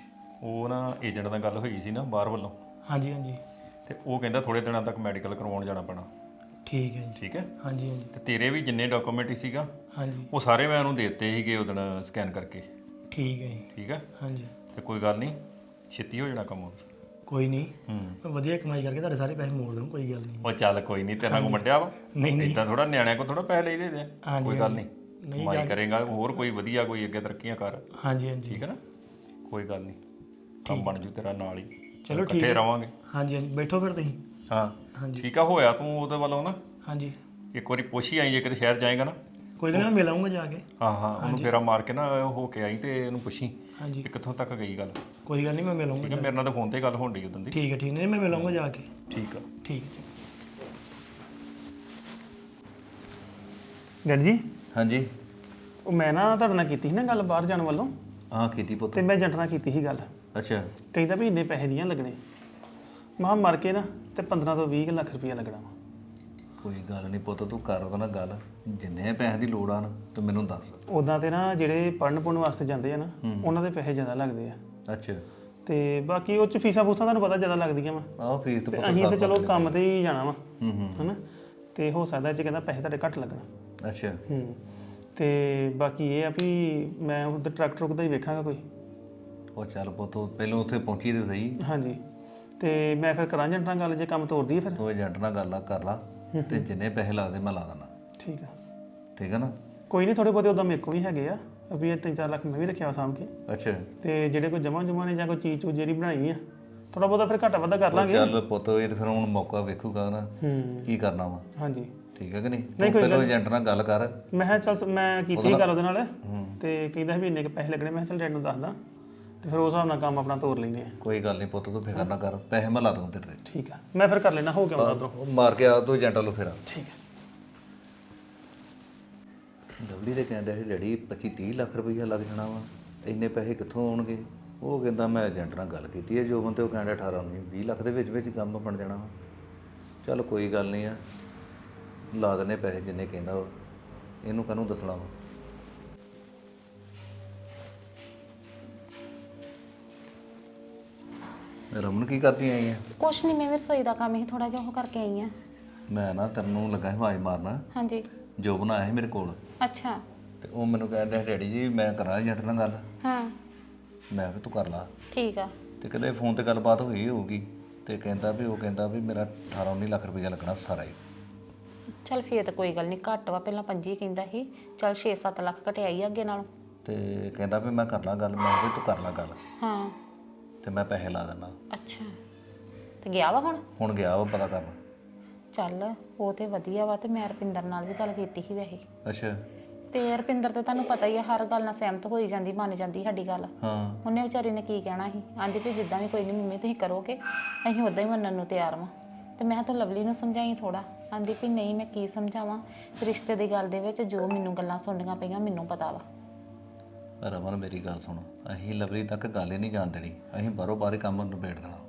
Speaker 5: ਉਹ ਨਾ ਏਜੰਟ ਨਾਲ ਗੱਲ ਹੋਈ ਸੀ ਨਾ ਬਾਹਰ ਵੱਲੋਂ,
Speaker 3: ਹਾਂਜੀ ਹਾਂਜੀ
Speaker 5: ਤੇ ਉਹ ਕਹਿੰਦਾ ਥੋੜੇ ਦਿਨਾਂ ਤੱਕ ਮੈਡੀਕਲ ਕਰਵਾਉਣ ਜਾਣਾ ਪੈਣਾ,
Speaker 3: ਠੀਕ ਹੈ ਜੀ
Speaker 5: ਠੀਕ ਹੈ?
Speaker 3: ਹਾਂਜੀ ਹਾਂਜੀ
Speaker 5: ਤੇ ਤੇਰੇ ਵੀ ਜਿੰਨੇ ਡਾਕੂਮੈਂਟ ਸੀਗਾ
Speaker 3: ਹਾਂਜੀ
Speaker 5: ਉਹ ਸਾਰੇ ਮੈਂ ਉਹਨੂੰ ਦੇ ਦਿੱਤੇ ਸੀਗੇ ਉਦੋਂ ਸਕੈਨ ਕਰਕੇ,
Speaker 3: ਠੀਕ ਹੈ ਜੀ
Speaker 5: ਠੀਕ ਹੈ?
Speaker 3: ਹਾਂਜੀ
Speaker 5: ਤੇ ਕੋਈ ਗੱਲ ਨਹੀਂ, ਛੇਤੀ ਹੋ ਜਾਣਾ ਕੰਮ ਉਹ।
Speaker 3: ਕੋਈ ਨਹੀਂ
Speaker 5: ਹੂੰ
Speaker 3: ਮੈਂ ਵਧੀਆ ਕਮਾਈ ਕਰਕੇ ਤੁਹਾਡੇ ਸਾਰੇ ਪੈਸੇ ਮੋੜ ਦੂੰ, ਕੋਈ ਗੱਲ ਨਹੀਂ।
Speaker 5: ਉਹ ਚੱਲ ਕੋਈ ਨਹੀਂ, ਤੇਰਾ ਕੋ ਵੰਡਿਆ ਵਾ,
Speaker 3: ਨਹੀਂ ਨਹੀਂ
Speaker 5: ਇਦਾਂ ਥੋੜਾ ਨਿਆਣਿਆਂ ਕੋ ਥੋੜਾ ਪੈਸੇ ਲਈਦੇ ਦੇ ਆ।
Speaker 3: ਹਾਂਜੀ,
Speaker 5: ਕੋਈ ਗੱਲ ਨਹੀਂ,
Speaker 3: ਨਹੀਂ
Speaker 5: ਕਮਾਈ ਕਰੇਗਾ ਹੋਰ ਕੋਈ ਵਧੀਆ, ਕੋਈ ਅੱਗੇ ਤਰੱਕੀਆਂ ਕਰ,
Speaker 3: ਹਾਂਜੀ ਹਾਂਜੀ
Speaker 5: ਠੀਕ ਹੈ ਨਾ? ਕੋਈ ਗੱਲ ਨਹੀਂ, ਕੰਮ ਬਣ ਜੂ ਤੇਰਾ ਨਾਲ ਹੀ,
Speaker 3: ਚਲੋ ਠੀਕ
Speaker 5: ਇਕੱਠੇ
Speaker 3: ਹੈ।
Speaker 5: ਰਵਾਂਗੇ।
Speaker 3: ਹਾਂਜੀ ਹਾਂਜੀ ਬੈਠੋ ਫਿਰ ਤੁਸੀਂ।
Speaker 5: ਹਾਂ
Speaker 3: ਹਾਂਜੀ
Speaker 5: ਠੀਕ ਆ, ਹੋਇਆ ਤੂੰ ਉਹਦੇ ਵੱਲੋਂ ਨਾ
Speaker 3: ਹਾਂਜੀ
Speaker 5: ਇੱਕ ਵਾਰੀ ਪੁੱਛ ਹੀ ਆਈ, ਜੇਕਰ ਸ਼ਹਿਰ ਜਾਏਗਾ ਨਾ।
Speaker 3: ਕੋਈ ਗੱਲ ਨਹੀਂ, ਮੈਂ ਮਿਲ ਆਊਂਗਾ ਜਾ ਕੇ।
Speaker 5: ਹਾਂ ਹਾਂ ਉਹਨੂੰ ਫੇਰਾ ਮਾਰ ਕੇ ਨਾ ਹੋ ਕੇ ਆਈ ਤੇ ਇਹਨੂੰ ਪੁੱਛੀ
Speaker 3: ਹਾਂਜੀ
Speaker 5: ਕਿ ਕਿੱਥੋਂ ਤੱਕ ਗਈ ਗੱਲ,
Speaker 3: ਕੋਈ ਗੱਲ ਨਹੀਂ, ਮੈਂ ਮਿਲ ਆਊਂਗਾ।
Speaker 5: ਠੀਕ ਹੈ? ਮੇਰੇ ਨਾਲ ਤਾਂ ਫੋਨ ਤੇ ਗੱਲ ਹੋਣ ਡਈ ਉਦੋਂ ਦੀ।
Speaker 3: ਠੀਕ ਹੈ ਠੀਕ ਨਹੀਂ ਮੈਂ ਮਿਲ ਆਊਂਗਾ ਜਾ ਕੇ।
Speaker 5: ਠੀਕ ਆ।
Speaker 3: ਠੀਕ ਹੈ ਜੀ। ਡੈਡ ਜੀ
Speaker 6: ਹਾਂਜੀ
Speaker 3: ਉਹ ਮੈਂ ਨਾ ਤੁਹਾਡੇ ਨਾਲ ਕੀਤੀ ਸੀ ਨਾ ਗੱਲ ਬਾਹਰ ਜਾਣ ਵੱਲੋਂ
Speaker 6: ਹਾਂ ਕੀਤੀ ਪੁੱਤ
Speaker 3: ਤੇ ਮੈਂ ਏਜੰਟ ਨਾਲ ਕੀਤੀ ਸੀ ਗੱਲ
Speaker 6: ਅੱਛਾ
Speaker 3: ਕਹਿੰਦਾ ਵੀ ਇੰਨੇ ਪੈਸੇ ਨਹੀਂ ਆ ਲੱਗਣੇ ਮਾਂ ਮਰ ਕੇ ਨਾ ਤੇ ਪੰਦਰਾਂ ਤੋਂ ਵੀਹ ਕੁ ਲੱਖ ਰੁਪਇਆ ਲੱਗਣਾ ਵਾ
Speaker 6: ਕੋਈ ਗੱਲ ਨਹੀਂ ਪੁੱਤ ਤੂੰ ਕਰ ਉਹਦੇ ਨਾਲ ਗੱਲ ਜਿੰਨੇ ਪੈਸੇ ਦੀ ਲੋੜ ਆ ਨਾ ਤੂੰ ਮੈਨੂੰ ਦੱਸ
Speaker 3: ਉਦਾਂ ਤੇ ਨਾ ਜਿਹੜੇ ਪੜਨ ਪੁੜਨ ਵਾਸਤੇ ਜਾਂਦੇ ਆ ਨਾ ਉਹਨਾਂ ਦੇ ਪੈਸੇ ਜ਼ਿਆਦਾ ਲੱਗਦੇ ਆ
Speaker 6: ਅੱਛਾ
Speaker 3: ਤੇ ਬਾਕੀ ਉਹ ਚ ਫੀਸਾਂ ਫੂਸਾਂ ਤੁਹਾਨੂੰ ਪਤਾ ਜ਼ਿਆਦਾ ਲੱਗਦੀਆਂ ਵਾ
Speaker 6: ਆਹ ਫੀਸ ਤੇ
Speaker 3: ਤੇ
Speaker 6: ਪੁੱਤ
Speaker 3: ਅਸੀਂ ਤੇ ਚਲੋ ਕੰਮ ਤੇ ਹੀ ਜਾਣਾ ਵਾ
Speaker 6: ਹੂੰ ਹੂੰ
Speaker 3: ਹਨਾ ਤੇ ਹੋ ਸਕਦਾ ਜੇ ਕਹਿੰਦਾ ਪੈਸੇ ਤੁਹਾਡੇ ਘੱਟ ਲੱਗਣਾ
Speaker 6: ਅੱਛਾ
Speaker 3: ਹੂੰ ਤੇ ਬਾਕੀ ਇਹ ਆ ਵੀ ਮੈਂ ਉਧਰ ਟਰੱਕ ਟਰੁੱਕ ਦਾ ਹੀ ਵੇਖਾਂਗਾ ਕੋਈ
Speaker 6: ਉਹ ਚੱਲ ਪੁੱਤ ਪਹਿਲਾਂ ਉੱਥੇ ਪਹੁੰਚੀ ਤੇ ਸਹੀ
Speaker 3: ਹਾਂਜੀ ਤੇ ਮੈਂ ਫਿਰ ਕਰਾਂ ਏਜੰਟ ਨਾਲ ਗੱਲ ਜੇ ਕੰਮ ਤੋਰਦੀ ਫਿਰ
Speaker 6: ਤੂੰ ਏਜੰਟ ਨਾਲ ਗੱਲ ਆ ਕਰ ਲਾ ਤੇ ਜਿੰਨੇ ਪੈਸੇ ਲੱਗਦੇ ਮੈਂ ਲਾ ਦੇਣਾ
Speaker 3: ਠੀਕ ਆ
Speaker 6: ਠੀਕ ਹੈ ਨਾ
Speaker 3: ਕੋਈ ਨਹੀਂ ਥੋੜੇ ਬਹੁਤੇ ਉਦਾਂ ਮੇਰੇ ਕੋਲ ਵੀ ਹੈਗੇ ਆ ਅਭੀ ਇਹ ਤਿੰਨ ਚਾਰ ਲੱਖ ਮੈਂ ਵੀ ਰੱਖਿਆ ਸਾਂਭ ਕੇ
Speaker 6: ਅੱਛਾ
Speaker 3: ਤੇ ਜਿਹੜੇ ਕੋਈ ਜਮਾ ਜਮਾ ਨੇ ਜਾਂ ਕੋਈ ਚੀਜ਼ ਚੂਜ਼ ਜਿਹੜੀ ਬਣਾਈ ਆ ਥੋੜਾ ਬਹੁਤਾ ਫਿਰ ਘਾਟਾ ਵਾਧਾ ਕਰ ਲਾਂਗੇ
Speaker 6: ਚੱਲ ਪੁੱਤ ਇਹ ਤੇ ਫਿਰ ਹੁਣ ਮੌਕਾ ਵੇਖੂਗਾ ਨਾ
Speaker 3: ਹੂੰ
Speaker 6: ਕੀ ਕਰਨਾ ਵਾ
Speaker 3: ਹਾਂਜੀ
Speaker 6: ਠੀਕ ਹੈ ਕਿ ਨਹੀਂ ਤੂੰ ਪਹਿਲਾਂ ਏਜੰਟ ਨਾਲ ਗੱਲ ਕਰ
Speaker 3: ਮੈਂ ਕਿਹਾ ਚੱਲ ਮੈਂ ਕੀਤੀ ਸੀ ਗੱਲ ਉਹਦੇ ਨਾਲ ਤੇ ਕਹਿੰਦਾ ਸੀ ਵੀ ਇੰਨੇ ਕੁ ਪੈਸੇ ਲੱਗਣੇ ਮੈਂ ਕਿਹਾ ਚੱਲ ਡੈਡ ਨੂੰ ਦੱਸਦਾ ਤੇ ਫਿਰ ਉਸ ਹਿਸਾਬ ਨਾਲ ਕੰਮ ਆਪਣਾ ਤੋਰ ਲੈਂਦੇ ਆ
Speaker 6: ਕੋਈ ਗੱਲ ਨਹੀਂ ਪੁੱਤ ਤੂੰ ਫਿਕਰ ਨਾ ਕਰ ਪੈਸੇ ਮੈਂ ਲਾ ਦੂੰ ਤੇਰੇ ਤੇ
Speaker 3: ਠੀਕ ਆ ਮੈਂ ਫਿਰ ਕਰ ਲੈਣਾ ਹੋ ਗਿਆ ਉਧਰੋਂ
Speaker 6: ਉਹ ਮਾਰ ਕੇ ਆ ਤੂੰ ਏਜੰਟ ਵੱਲੋਂ ਫੇਰਾ
Speaker 3: ਠੀਕ ਆ
Speaker 6: ਲਵਲੀ ਦੇ ਕਹਿੰਦਾ ਸੀ ਡੈਡੀ ਪੱਚੀ ਤੀਹ ਲੱਖ ਰੁਪਈਆ ਲੱਗ ਜਾਣਾ ਵਾ ਇੰਨੇ ਪੈਸੇ ਕਿੱਥੋਂ ਆਉਣਗੇ ਉਹ ਕਹਿੰਦਾ ਮੈਂ ਏਜੰਟ ਨਾਲ ਗੱਲ ਕੀਤੀ ਹੈ ਜੋਬਨ ਤੇ ਉਹ ਕਹਿੰਦਾ ਅਠਾਰਾਂ ਉੱਨੀ ਵੀਹ ਲੱਖ ਦੇ ਵਿੱਚ ਵਿੱਚ ਕੰਮ ਬਣ ਜਾਣਾ ਵਾ ਚੱਲ ਕੋਈ ਗੱਲ ਨਹੀਂ ਆ ਲਾ ਦਨੇ ਪੈਸੇ ਜਿੰਨੇ ਕਹਿੰਦਾ ਉਹ ਇਹਨੂੰ ਕਾਹਨੂੰ ਦੱਸਣਾ ਵਾ ਰਮਨ ਕੀ ਕਰਦੀ ਆਈ ਆ
Speaker 4: ਕੁਛ ਨਹੀਂ, ਮੈਂ ਵੀ ਰਸੋਈ ਦਾ ਕੰਮ ਹੀ ਥੋੜਾ ਜਿਹਾ ਉਹ ਕਰਕੇ ਆਈ ਆ।
Speaker 6: ਮੈਂ ਨਾ ਤੈਨੂੰ ਲੱਗਾ ਸੀ ਆਵਾਜ਼ ਮਾਰਨਾ
Speaker 4: ਹਾਂਜੀ
Speaker 6: ਜੋਬਨ ਆਇਆ ਸੀ ਮੇਰੇ ਕੋਲ
Speaker 4: ਅੱਛਾ
Speaker 6: ਤੇ ਉਹ ਮੈਨੂੰ ਕਹਿੰਦਾ ਡੈਡੀ ਜੀ ਮੈਂ ਕਰਾਂ ਏਜੰਟ ਨਾਲ ਗੱਲ
Speaker 4: ਹਾਂ
Speaker 6: ਮੈਂ ਵੀ ਤੂੰ ਕਰ ਲਾ
Speaker 4: ਠੀਕ ਆ।
Speaker 6: ਤੇ ਕਹਿੰਦੇ ਫੋਨ ਤੇ ਗੱਲਬਾਤ ਹੋਈ ਹੋਊਗੀ ਤੇ ਕਹਿੰਦਾ ਵੀ ਉਹ ਕਹਿੰਦਾ ਵੀ ਮੇਰਾ ਅਠਾਰਾਂ ਉੱਨੀ ਲੱਖ ਰੁਪਈਆ ਲੱਗਣਾ ਸਾਰਾ ਹੀ
Speaker 4: ਚੱਲ ਫੇਰ ਤਾਂ ਕੋਈ ਗੱਲ ਨਹੀਂ, ਘੱਟ ਵਾ, ਪਹਿਲਾਂ ਪੰਜੀ ਕਹਿੰਦਾ ਸੀ, ਚੱਲ ਛੇ ਸੱਤ ਲੱਖ ਘਟਿਆਈ ਅੱਗੇ ਨਾਲੋਂ।
Speaker 6: ਤੇ ਕਹਿੰਦਾ ਵੀ ਮੈਂ ਕਰ ਲਾਂ ਗੱਲ ਮੈਂ ਕਿਹਾ ਵੀ ਤੂੰ ਕਰ ਲਾ ਗੱਲ
Speaker 4: ਹਾਂ
Speaker 6: ਤੇ ਮੈਂ ਪੈਸੇ ਲਾ ਦਿੰਦਾ
Speaker 4: ਅੱਛਾ ਤੇ ਗਿਆ ਵਾ ਹੁਣ?
Speaker 6: ਹੁਣ ਗਿਆ ਵਾ ਪਤਾ ਕਰਨ
Speaker 4: ਚੱਲ ਉਹ ਤੇ ਵਧੀਆ ਵਾ, ਤੇ ਮੈਂ ਰਪਿੰਦਰ ਨਾਲ ਵੀ ਗੱਲ ਕੀਤੀ ਸੀ ਵੈਸੇ।
Speaker 6: ਅੱਛਾ
Speaker 4: ਤੇ ਰਪਿੰਦਰ ਤੇ ਤੁਹਾਨੂੰ ਪਤਾ ਹੀ ਆ, ਹਰ ਗੱਲ ਨਾਲ ਸਹਿਮਤ ਹੋਈ ਜਾਂਦੀ, ਮੰਨ ਜਾਂਦੀ ਸਾਡੀ ਗੱਲ।
Speaker 6: ਹਾਂ
Speaker 4: ਉਹਨੇ ਵਿਚਾਰੀ ਨੇ ਕੀ ਕਹਿਣਾ ਸੀ, ਆਂਦੀ ਵੀ ਜਿੱਦਾਂ ਵੀ ਕੋਈ ਨਹੀਂ ਮੰਮੀ ਤੁਸੀਂ ਕਰੋਗੇ ਅਸੀਂ ਉਦਾਂ ਹੀ ਮੰਨਣ ਨੂੰ ਤਿਆਰ ਵਾਂ। ਤੇ ਮੈਂ ਤਾਂ ਲਵਲੀ ਨੂੰ ਸਮਝਾਈ ਥੋੜਾ, ਆਂਦੀ ਵੀ ਨਹੀਂ ਮੈਂ ਕੀ ਸਮਝਾਵਾਂ, ਰਿਸ਼ਤੇ ਦੀ ਗੱਲ ਦੇ ਵਿੱਚ ਜੋ ਮੈਨੂੰ ਗੱਲਾਂ ਸੁਣਨੀਆਂ ਪਈਆਂ ਮੈਨੂੰ ਪਤਾ ਵਾ।
Speaker 6: ਰਮਨ ਮੇਰੀ ਗੱਲ ਸੁਣ ਅਸੀਂ ਲਵਲੀ ਤੱਕ ਗੱਲ ਹੀ ਨਹੀਂ ਜਾਣ ਦੇਣੀ, ਅਸੀਂ ਬਾਹਰੋਂ ਬਾਹਰ ਕੰਮ ਨਿਬੇੜ ਦੇਣਾ।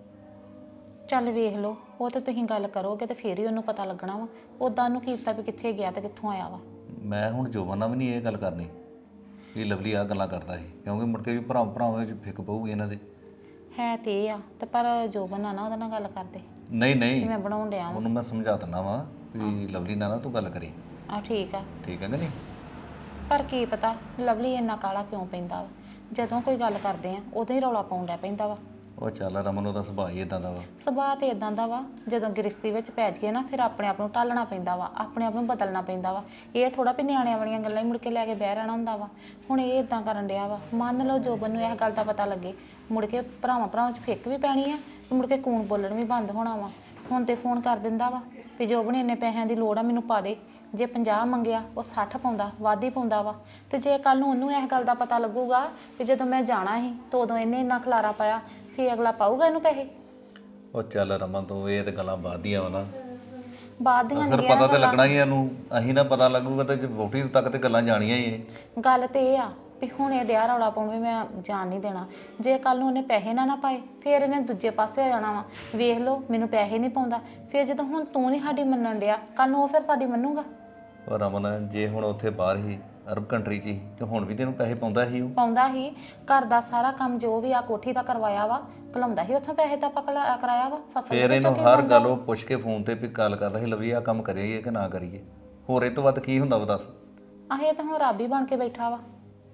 Speaker 4: ਚੱਲ ਵੇਖ ਲਓ, ਉਹ ਤੇ ਤੁਸੀਂ ਗੱਲ ਕਰੋਗੇ ਤੇ ਫੇਰ ਹੀ ਉਹਨੂੰ ਪਤਾ ਲੱਗਣਾ ਵਾ, ਉਦਾਂ ਉਹਨੂੰ ਕੀ ਪਤਾ ਵੀ ਕਿੱਥੇ ਗਿਆ ਤੇ ਕਿੱਥੋਂ ਆਇਆ ਵਾ।
Speaker 6: ਮੈਂ ਹੁਣ ਜੋਬਨ ਨਾਲ ਵੀ ਨਹੀਂ ਇਹ ਗੱਲ ਕਰਨੀ ਵੀ ਲਵਲੀ ਆ ਗੱਲਾਂ ਕਰਦਾ ਸੀ, ਕਿਉਂਕਿ ਮੁੜ ਕੇ ਵੀ ਭਰਾ ਭਰਾਵਾਂ ਵਿੱਚ ਫਿੱਕ ਪਊਗੀ ਇਹਨਾਂ ਦੇ।
Speaker 4: ਹੈ ਤੇ ਇਹ ਆ, ਤੇ ਪਰ ਜੋਬਨ ਨਾ ਨਾ ਉਹਦੇ ਨਾਲ ਗੱਲ ਕਰਦੇ,
Speaker 6: ਨਹੀਂ ਨਹੀਂ
Speaker 4: ਮੈਂ ਬਣਾਉਣ ਡਿਆ ਵਾਂ।
Speaker 6: ਉਹਨੂੰ ਮੈਂ ਸਮਝਾ ਦਿੰਦਾ ਵਾਂ ਵੀ ਲਵਲੀ ਨਾਲ ਨਾ ਤੂੰ ਗੱਲ ਕਰੀ।
Speaker 4: ਆ ਠੀਕ ਆ,
Speaker 6: ਠੀਕ ਹੈ ਕਿ ਨਹੀਂ?
Speaker 4: ਪਰ ਕੀ ਪਤਾ ਲਵਲੀ ਇੰਨਾ ਕਾਲਾ ਕਿਉਂ ਪੈਂਦਾ ਵਾ, ਜਦੋਂ ਕੋਈ ਗੱਲ ਕਰਦੇ ਆ ਉਦੋਂ ਹੀ ਰੌਲਾ ਪਾਉਣ ਡਿਆ ਪੈਂਦਾ ਵਾ।
Speaker 6: ਉਹ ਚੱਲ ਰਮਨ ਉਹਦਾ ਸੁਭਾਅ ਹੀ ਇਦਾਂ ਦਾ ਵਾ।
Speaker 4: ਸੁਭਾਅ ਤੇ ਇਦਾਂ ਦਾ ਵਾ, ਜਦੋਂ ਗ੍ਰਿਸ਼ਤੀ ਵਿੱਚ ਪੈ ਜਾਈਏ ਨਾ ਫਿਰ ਆਪਣੇ ਆਪ ਨੂੰ ਢਾਲਣਾ ਪੈਂਦਾ ਵਾ, ਆਪਣੇ ਆਪ ਨੂੰ ਬਦਲਣਾ ਪੈਂਦਾ ਵਾ। ਇਹ ਥੋੜਾ ਵੀ ਨਿਆਣਿਆਂ ਵਾਲੀਆਂ ਗੱਲਾਂ ਹੀ ਮੁੜ ਕੇ ਲੈ ਕੇ ਬਹਿ ਰਹਿਣਾ ਹੁੰਦਾ ਵਾ। ਹੁਣ ਇਹ ਇਦਾਂ ਕਰਨ ਡਿਆ ਵਾ, ਮੰਨ ਲਓ ਜੋਬਨ ਨੂੰ ਇਹ ਗੱਲ ਦਾ ਪਤਾ ਲੱਗੇ, ਮੁੜ ਕੇ ਭਰਾਵਾਂ ਭਰਾਵਾਂ 'ਚ ਫਿੱਕ ਵੀ ਪੈਣੀ ਆ, ਤੇ ਮੁੜ ਕੇ ਕੂਣ ਬੋਲਣ ਵੀ ਬੰਦ ਹੋਣਾ ਵਾ। ਹੁਣ ਤੇ ਫੋਨ ਕਰ ਦਿੰਦਾ ਵਾ ਵੀ ਜੋਬਨ ਇੰਨੇ ਪੈਸਿਆਂ ਦੀ ਲੋੜ ਆ ਮੈਨੂੰ ਪਾ ਦੇ, ਜੇ ਪੰਜਾਹ ਮੰਗਿਆ ਉਹ ਸੱਠ ਪਾਉਂਦਾ, ਵੱਧ ਹੀ ਪਾਉਂਦਾ ਵਾ। ਤੇ ਜੇ ਕੱਲ ਨੂੰ ਉਹਨੂੰ ਇਸ ਗੱਲ ਦਾ ਪਤਾ ਲੱਗੂਗਾ ਵੀ ਜਦੋਂ ਮੈਂ ਜਾਣਾ ਸੀ ਤਾਂ ਉਦੋਂ ਇਹਨੇ ਇੰਨਾ ਖਲਾਰਾ ਪਾਇਆ, ਫਿਰ ਅਗਲਾ ਪਾਊਗਾ ਇਹਨੂੰ ਪੈਸੇ?
Speaker 6: ਉਹ ਚੱਲ ਰਮਨ ਤੂੰ ਇਹ ਤੇ ਗੱਲਾਂ ਬਾਅਦ ਦੀਆਂ ਵਾ ਨਾ,
Speaker 4: ਬਾਅਦ ਦੀਆਂ
Speaker 6: ਅਸਰ ਪਤਾ ਤੇ ਲੱਗਣਾ ਹੀ ਇਹਨੂੰ, ਅਸੀਂ ਨਾ ਪਤਾ ਲੱਗੂਗਾ ਤੇ ਵੋਟੀ ਤੱਕ ਤੇ ਗੱਲਾਂ ਜਾਣੀਆਂ ਹੀ ਇਹ।
Speaker 4: ਗੱਲ ਤੇ ਇਹ ਆ ਵੀ ਹੁਣ ਇਹ ਡਿਆ ਰੌਲਾ ਪਾਉਣ ਵੀ ਮੈਂ ਜਾਣ ਨਹੀਂ ਦੇਣਾ, ਜੇ ਕੱਲ ਨੂੰ ਉਹਨੇ ਪੈਸੇ ਨਾ ਨਾ ਪਾਏ ਫਿਰ ਇਹਨੇ ਦੂਜੇ ਪਾਸੇ ਆ ਜਾਣਾ ਵਾ। ਵੇਖ ਲਓ ਮੈਨੂੰ ਪੈਸੇ ਨਹੀਂ ਪਾਉਂਦਾ, ਫਿਰ ਜਦੋਂ ਹੁਣ ਤੂੰ ਨਹੀਂ ਸਾਡੀ ਮੰਨਣ ਡਿਆ, ਕੱਲ ਨੂੰ ਉਹ ਫਿਰ ਸਾਡੀ ਮੰਨੂਗਾ?
Speaker 6: ਉਹ ਰਮਨ ਜੇ ਹੁਣ ਉੱਥੇ ਬਾਹਰ ਹੀ ਅਰਬ ਕੰਟਰੀ 'ਚ ਹੀ ਤੇ ਹੁਣ ਵੀ ਤੈਨੂੰ ਪੈਸੇ ਪਾਉਂਦਾ ਸੀ ਉਹ?
Speaker 4: ਪਾਉਂਦਾ ਹੀ, ਘਰ ਦਾ ਸਾਰਾ ਕੰਮ ਜੋ ਵੀ ਆ ਕੋਠੀ ਦਾ ਕਰਵਾਇਆ ਵਾ, ਘਲਾਉਂਦਾ ਹੀ ਉੱਥੋਂ ਪੈਸੇ ਤਾਂ ਪਕੜਾ ਕਰਾਇਆ ਵਾ। ਫਸਲ
Speaker 6: ਫਿਰ ਇਹਨੂੰ ਹਰ ਗੱਲ ਉਹ ਪੁੱਛ ਕੇ ਫੋਨ ਤੇ ਵੀ ਗੱਲ ਕਰਦਾ ਸੀ ਲਵੀ ਆ ਕੰਮ ਕਰੀਏ ਕਿ ਨਾ ਕਰੀਏ, ਹੋਰ ਇਹ ਤੋਂ ਵੱਧ ਕੀ ਹੁੰਦਾ ਵਾ ਦੱਸ?
Speaker 4: ਆਹ ਇਹ ਤਾਂ ਹੁਣ ਰੱਬ ਹੀ ਬਣ ਕੇ ਬੈਠਾ ਵਾ।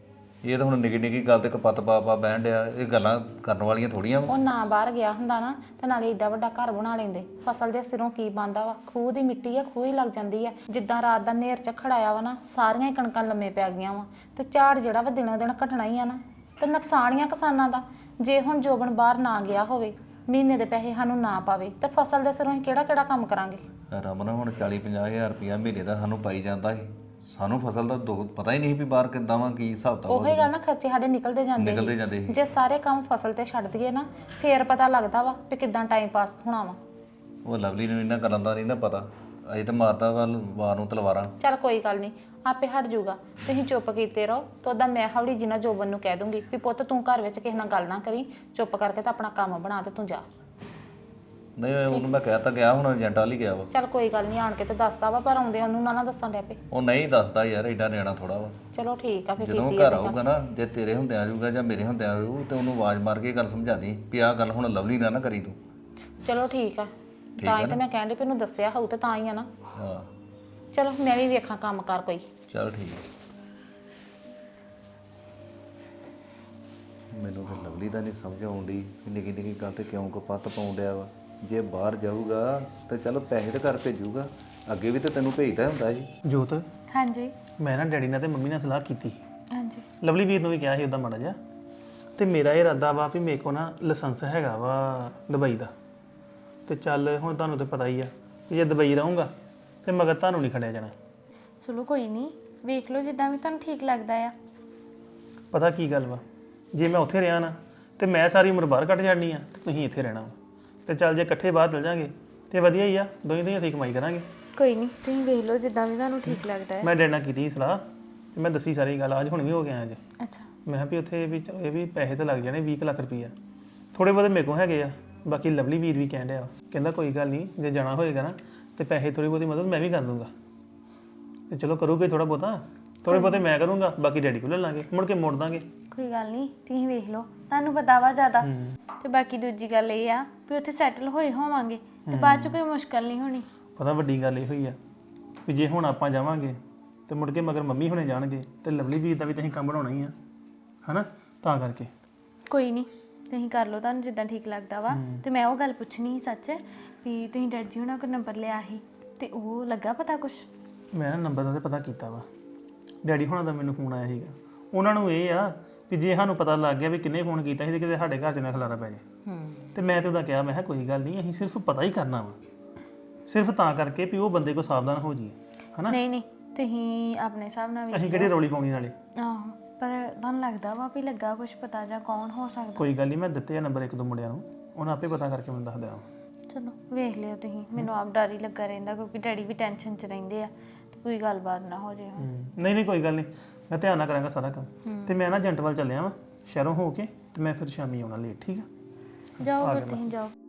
Speaker 6: ਇਹ ਤਾਂ ਹੁਣ ਨਿੱਕੀ ਨਿੱਕੀ ਗੱਲ ਤੇ ਕਪੱਤ ਪਾ ਪਾ ਬਹਿਣ ਡਿਆ, ਇਹ ਗੱਲਾਂ ਕਰਨ ਵਾਲੀਆਂ ਥੋੜੀਆਂ ਵਾ।
Speaker 4: ਉਹ ਨਾ ਬਾਹਰ ਗਿਆ ਹੁੰਦਾ ਨਾ ਤੇ ਨਾਲੇ ਏਡਾ ਵੱਡਾ ਘਰ ਬਣਾ ਲੈਂਦੇ। ਫਸਲ ਦੇ ਸਿਰੋਂ ਕੀ ਬਣਦਾ ਵਾ, ਖੂਹ ਦੀ ਮਿੱਟੀ ਆ, ਖੂਹ ਹੀ ਲੱਗ ਜਾਂਦੀ ਆ। ਜਿੱਦਾਂ ਰਾਤ ਦਾ ਨੇਰ ਝੱਖੜ ਆਇਆ ਵਾ ਨਾ, ਸਾਰੀਆਂ ਹੀ ਕਣਕਾਂ ਲੰਮੇ ਪੈ ਗਈਆਂ ਵਾ, ਤੇ ਝਾੜ ਜਿਹੜਾ ਵਾ ਦਿਨੋਂ ਦਿਨ ਘਟਣਾ ਹੀ ਆ ਨਾ, ਤੇ ਨੁਕਸਾਨ ਹੀ ਆ ਕਿਸਾਨਾਂ ਦਾ। ਜੇ ਹੁਣ ਜੋਬਨ ਬਾਹਰ ਨਾ ਗਿਆ ਹੋਵੇ, ਮਹੀਨੇ ਦੇ ਪੈਸੇ ਸਾਨੂੰ ਨਾ ਪਾਵੇ, ਤੇ ਫਸਲ ਦੇ ਸਿਰੋਂ ਅਸੀਂ ਕਿਹੜਾ ਕਿਹੜਾ ਕੰਮ ਕਰਾਂਗੇ?
Speaker 6: ਰਮਨ ਹੁਣ ਚਾਲੀ ਪੰਜਾਹ ਹਜ਼ਾਰ ਰੁਪਇਆ ਮਹੀਨੇ ਦਾ ਸਾਨੂੰ ਪਾਈ ਜਾਂਦਾ ਸੀ, ਸਾਨੂੰ ਫਸਲ ਦਾ ਦੁੱਖ ਪਤਾ ਹੀ ਨਹੀਂ ਵੀ ਬਾਹਰ ਕਿੱਦਾਂ ਵਾ ਕੀ ਹਿਸਾਬ ਤਾਂ
Speaker 4: ਉਹੀ ਗੱਲ ਨਾ, ਖਰਚੇ ਸਾਡੇ ਨਿਕਲਦੇ ਜਾਂਦੇ
Speaker 6: ਨਿਕਲਦੇ ਜਾਂਦੇ ਸੀ।
Speaker 4: ਜੇ ਸਾਰੇ ਕੰਮ ਫਸਲ ਤੇ ਛੱਡ ਦਈਏ ਨਾ, ਫੇਰ ਪਤਾ ਲੱਗਦਾ ਵਾ ਵੀ ਕਿੱਦਾਂ ਟਾਈਮ ਪਾਸ ਹੋਣਾ ਵਾ।
Speaker 6: ਉਹ ਲਵਲੀ ਨੂੰ ਇਹਨਾਂ ਗੱਲਾਂ ਦਾ ਨਹੀਂ ਨਾ ਪਤਾ ਅਜੇ ਤਾਂ ਮਾਰਦਾ ਵਾ ਵਾਰ ਨੂੰ ਤਲਵਾਰਾਂ।
Speaker 4: ਚੱਲ ਕੋਈ ਗੱਲ ਨਹੀਂ, ਆਪੇ ਹਟ ਜਾਊਗਾ। ਤੁਸੀਂ ਚੁੱਪ ਕੀਤੇ ਰਹੋ ਤਾਂ ਉਹਦਾ ਮੈਂ ਹੌਲੀ ਜੀ ਨਾਲ ਜੋਬਨ ਨੂੰ ਕਹਿ ਦੂੰਗੀ ਵੀ ਪੁੱਤ ਤੂੰ ਘਰ ਵਿੱਚ ਕਿਸੇ ਨਾਲ ਗੱਲ ਨਾ ਕਰੀ, ਚੁੱਪ ਕਰਕੇ ਤਾਂ ਆਪਣਾ ਕੰਮ ਬਣਾ ਤੇ ਤੂੰ ਜਾ।
Speaker 6: ਨਹੀਂ ਉਹਨੂੰ ਮੈਂ ਕਹਿ ਤਾਂ ਗਿਆ, ਹੁਣ ਏਜੰਟ ਵਾਲੀ ਗਿਆ ਵਾ।
Speaker 4: ਚੱਲ ਕੋਈ ਗੱਲ ਨਹੀਂ, ਆਣ ਕੇ ਤੇ ਦੱਸਦਾ ਵਾ, ਪਰ ਆਉਂਦੇ ਉਹਨੂੰ ਨਾ ਨਾ ਦੱਸਣ ਡੈ ਪਏ।
Speaker 6: ਉਹ ਨਹੀਂ ਦੱਸਦਾ ਯਾਰ, ਐਡਾ ਨਿਆਣਾ ਥੋੜਾ ਵਾ।
Speaker 4: ਚਲੋ ਠੀਕ ਆ, ਫਿਰ
Speaker 6: ਜਦੋਂ
Speaker 4: ਕੀਤੀ
Speaker 6: ਘਰ ਆਊਗਾ ਨਾ, ਜੇ ਤੇਰੇ ਹੁੰਦਿਆਂ ਆਜੂਗਾ ਜਾਂ ਮੇਰੇ ਹੁੰਦਿਆਂ ਆਜੂ ਤੇ ਉਹਨੂੰ ਆਵਾਜ਼ ਮਾਰ ਕੇ ਗੱਲ ਸਮਝਾ ਦੀ ਵੀ ਆਹ ਗੱਲ ਹੁਣ ਲਵਲੀ ਨਾ ਨਾ ਕਰੀ ਤੂੰ।
Speaker 4: ਚਲੋ ਠੀਕ ਆ, ਤਾਂ ਹੀ ਤਾਂ ਮੈਂ ਕਹਿਣ ਡਈ ਵੀ ਇਹਨੂੰ ਦੱਸਿਆ ਹੋਊ ਤੇ ਤਾਂ ਹੀ ਆ ਨਾ।
Speaker 6: ਹਾਂ
Speaker 4: ਚਲੋ ਮੈਂ ਵੀ ਵੇਖਾਂ ਕੰਮ ਕਰ ਕੋਈ।
Speaker 6: ਚੱਲ ਠੀਕ ਹੈ। ਮੈਨੂੰ ਤਾਂ ਲਵਲੀ ਦਾ ਨਹੀਂ ਸਮਝ ਆਉਂਦੀ ਕਿ ਨਿੱਕੀ ਨਿੱਕੀ ਗੱਲ ਤੇ ਕਿਉਂ ਕਪੱਤ ਪਾਉਣ ਡਿਆ ਵਾ। ਜੇ ਬਾਹਰ ਜਾਊਗਾ ਤੇ ਚਲੋ ਪੈਸੇ ਤਾਂ ਘਰ ਭੇਜੂਗਾ, ਅੱਗੇ ਵੀ ਤਾਂ ਤੈਨੂੰ ਭੇਜਦਾ ਹੁੰਦਾ ਸੀ।
Speaker 3: ਜੋਤ,
Speaker 2: ਹਾਂਜੀ
Speaker 3: ਮੈਂ ਨਾ ਡੈਡੀ ਨਾਲ ਤੇ ਮੰਮੀ ਨਾਲ ਸਲਾਹ ਕੀਤੀ।
Speaker 2: ਹਾਂਜੀ
Speaker 3: ਲਵਲੀ ਵੀਰ ਨੂੰ ਵੀ ਕਿਹਾ ਸੀ ਉਦਾਂ ਮਾੜਾ ਜਿਹਾ, ਤੇ ਮੇਰਾ ਇਹ ਇਰਾਦਾ ਵਾ ਵੀ ਮੇਰੇ ਕੋਲ ਨਾ ਲਾਇਸੈਂਸ ਹੈਗਾ ਵਾ ਦੁਬਈ ਦਾ। ਤੇ ਚੱਲ ਹੁਣ ਤੁਹਾਨੂੰ ਤਾਂ ਪਤਾ ਹੀ ਆ ਕਿ ਜੇ ਦੁਬਈ ਰਹੂੰਗਾ ਤੇ ਮਗਰ ਤੁਹਾਨੂੰ ਨਹੀਂ ਖੜਿਆ ਜਾਣਾ।
Speaker 2: ਚਲੋ ਕੋਈ ਨਹੀਂ, ਵੇਖ ਲਓ ਜਿੱਦਾਂ ਵੀ ਤੁਹਾਨੂੰ ਠੀਕ ਲੱਗਦਾ ਆ।
Speaker 3: ਪਤਾ ਕੀ ਗੱਲ ਵਾ, ਜੇ ਮੈਂ ਉੱਥੇ ਰਿਹਾ ਨਾ ਤੇ ਮੈਂ ਸਾਰੀ ਉਮਰ ਬਾਹਰ ਕੱਟ ਜਾਣੀ ਆ ਤੇ ਤੁਸੀਂ ਇੱਥੇ ਰਹਿਣਾ ਵਾ। ਤੇ ਚੱਲ ਜੇ ਇਕੱਠੇ ਬਾਹਰ ਚਲ ਜਾਾਂਗੇ ਤੇ ਵਧੀਆ ਹੀ ਆ, ਦੋਵੇਂ ਦੋਵੇਂ ਅਸੀਂ ਕਮਾਈ ਕਰਾਂਗੇ।
Speaker 2: ਕੋਈ ਨਹੀਂ, ਤੁਸੀਂ ਵੇਖ ਲਓ ਜਿੱਦਾਂ ਵੀ ਤੁਹਾਨੂੰ ਠੀਕ ਲੱਗਦਾ ਹੈ।
Speaker 3: ਮੈਂ ਡੈਡ ਨਾਲ ਕੀਤੀ ਸੀ ਸਲਾਹ ਤੇ ਮੈਂ ਦੱਸੀ ਸਾਰੀ ਗੱਲ, ਅੱਜ ਹੁਣ ਵੀ ਹੋ ਗਿਆ ਅੱਜ।
Speaker 2: ਅੱਛਾ
Speaker 3: ਮੈਂ ਕਿਹਾ ਵੀ ਉੱਥੇ ਵੀ ਚਲੋ ਇਹ ਵੀ ਪੈਸੇ ਤਾਂ ਲੱਗ ਜਾਣੇ ਵੀਹ ਕੁ ਲੱਖ ਰੁਪਈਆ, ਥੋੜੇ ਬਹੁਤੇ ਮੇਰੇ ਕੋਲ ਹੈਗੇ ਆ। ਬਾਕੀ ਲਵਲੀ ਵੀਰ ਵੀ ਕਹਿਣ ਡਿਆ ਕਹਿੰਦਾ ਕੋਈ ਗੱਲ ਨਹੀਂ, ਜੇ ਜਾਣਾ ਹੋਏਗਾ ਨਾ ਤੇ ਪੈਸੇ ਥੋੜੀ ਬਹੁਤੀ ਮਦਦ ਮੈਂ ਵੀ ਕਰ ਦੂੰਗਾ। ਤੇ ਚਲੋ ਕਰੂਗੇ ਥੋੜਾ ਬਹੁਤਾ, ਥੋੜੇ ਬਹੁਤੇ ਮੈਂ ਕਰੂੰਗਾ, ਬਾਕੀ ਡੈਡੀ ਕੋਲ ਲੈ ਲਾਂਗੇ, ਮੁੜ ਕੇ ਮੋੜ ਦਾਂਗੇ।
Speaker 2: ਕੋਈ ਗੱਲ ਨਹੀਂ, ਤੁਸੀਂ ਵੇਖ ਲਓ, ਤੁਹਾਨੂੰ ਪਤਾ ਵਾ ਜ਼ਿਆਦਾ। ਤੇ ਬਾਕੀ ਦੂਜੀ ਗੱਲ ਇਹ ਆ ਵੀ ਉੱਥੇ ਸੈਟਲ ਹੋਏ ਹੋਵਾਂਗੇ ਤੇ ਬਾਅਦ ਚ ਕੋਈ ਮੁਸ਼ਕਲ ਨਹੀਂ ਹੋਣੀ।
Speaker 3: ਪਤਾ ਵੱਡੀ ਗੱਲ ਇਹ ਹੋਈ ਆ ਵੀ ਜੇ ਹੁਣ ਆਪਾਂ ਜਾਵਾਂਗੇ ਤੇ ਮੁੜ ਕੇ ਮਗਰ ਮੰਮੀ ਹੁਣੇ ਜਾਣਗੇ ਤੇ ਲਵਲੀ ਵੀਰ ਦਾ ਵੀ ਤਾਂ ਅਸੀਂ ਕੰਮ ਬਣਾਉਣਾ ਹੀ ਆ, ਹਨਾ? ਤਾਂ ਕਰਕੇ
Speaker 2: ਕੋਈ ਨਹੀਂ, ਤੁਸੀਂ ਕਰ ਲਓ ਤੁਹਾਨੂੰ ਜਿੱਦਾਂ ਠੀਕ ਲੱਗਦਾ ਵਾ। ਤੇ ਮੈਂ ਉਹ ਗੱਲ ਪੁੱਛਣੀ ਸੀ ਸੱਚ ਵੀ ਤੁਸੀਂ ਡੈਡ ਜੀ ਉਹਨਾਂ ਕੋਲ ਨੰਬਰ ਲਿਆ ਸੀ ਤੇ ਉਹ ਲੱਗਾ ਪਤਾ ਕੁਛ?
Speaker 3: ਮੈਂ ਨਾ ਨੰਬਰ ਦਾ ਤੇ ਪਤਾ ਕੀਤਾ ਵਾ, ਡੈਡੀ ਹੁਣਾਂ ਦਾ ਮੈਨੂੰ ਫੋਨ ਆਇਆ ਸੀਗਾ। ਉਹਨਾਂ ਨੂੰ ਇਹ ਆ ਵੀ ਜੇ ਸਾਨੂੰ ਪਤਾ ਲੱਗ ਗਿਆ ਵੀ ਕਿੰਨੇ ਫੋਨ ਕੀਤਾ ਸੀ ਤੇ ਕਿਤੇ ਸਾਡੇ ਘਰ 'ਚ ਨਾ ਖਲਾਰਾ ਪੈ ਜਾਏ। ਤੇ ਮੈਂ ਤੇ ਉਹਦਾ ਕਿਹਾ, ਮੈਂ ਕਿਹਾ ਕੋਈ ਗੱਲ ਨਹੀਂ, ਅਸੀਂ ਸਿਰਫ ਪਤਾ ਹੀ ਕਰਨਾ ਵਾ, ਸਿਰਫ ਤਾਂ ਕਰਕੇ ਵੀ ਉਹ ਬੰਦੇ ਕੋ ਸਾਵਧਾਨ ਹੋ ਜਾਈਏ, ਹਨਾ?
Speaker 2: ਨਹੀਂ ਨਹੀਂ, ਤੁਸੀਂ ਆਪਣੇ ਹਿਸਾਬ ਨਾਲ ਵੀ
Speaker 3: ਅਸੀਂ ਕਿਹੜੀ ਰੌਲੀ ਪਾਉਣੀ ਨਾਲੇ।
Speaker 2: ਆਹੋ, ਪਰ ਤੁਹਾਨੂੰ ਲੱਗਦਾ ਵਾ ਵੀ ਲੱਗਾ ਕੁਛ ਪਤਾ ਜਾਂ ਕੌਣ ਹੋ ਸਕਦਾ?
Speaker 3: ਕੋਈ ਗੱਲ ਨਹੀਂ, ਮੈਂ ਦਿੱਤੇ ਆ ਨੰਬਰ ਇੱਕ ਦੋ ਮੁੰਡਿਆਂ ਨੂੰ, ਉਹਨਾਂ ਆਪੇ ਪਤਾ ਕਰਕੇ ਮੈਨੂੰ ਦੱਸ ਦੇਣਾ।
Speaker 2: ਚਲੋ ਵੇਖ ਲਿਓ ਤੁਸੀਂ, ਮੈਨੂੰ ਆਪ ਡਰ ਹੀ ਲੱਗਾ ਰਹਿੰਦਾ ਕਿਉਂਕਿ ਡੈਡੀ ਵੀ ਟੈਨਸ਼ਨ 'ਚ ਰਹਿੰਦੇ ਆ ਤੇ ਕੋਈ ਗੱਲਬਾਤ ਨਾ ਹੋ ਜਾਏ।
Speaker 3: ਹੂੰ, ਨਹੀਂ ਨਹੀਂ ਕੋਈ ਗੱਲ ਨਹੀਂ, ਮੈਂ ਧਿਆਨ ਨਾਲ ਕਰਾਂਗਾ ਸਾਰਾ ਕੰਮ। ਤੇ ਮੈਂ ਨਾ ਏਜੰਟ ਵੱਲ ਚੱਲਿਆ ਵਾਂ ਸ਼ਹਿਰੋਂ ਹੋ ਕੇ, ਤੇ ਮੈਂ ਫਿਰ ਸ਼ਾਮੀ ਆਉਣਾ ਲੇਟ, ਠੀਕ ਆ?
Speaker 2: ਜਾਓ ਫਿਰ ਤੁਸੀਂ ਜਾਓ।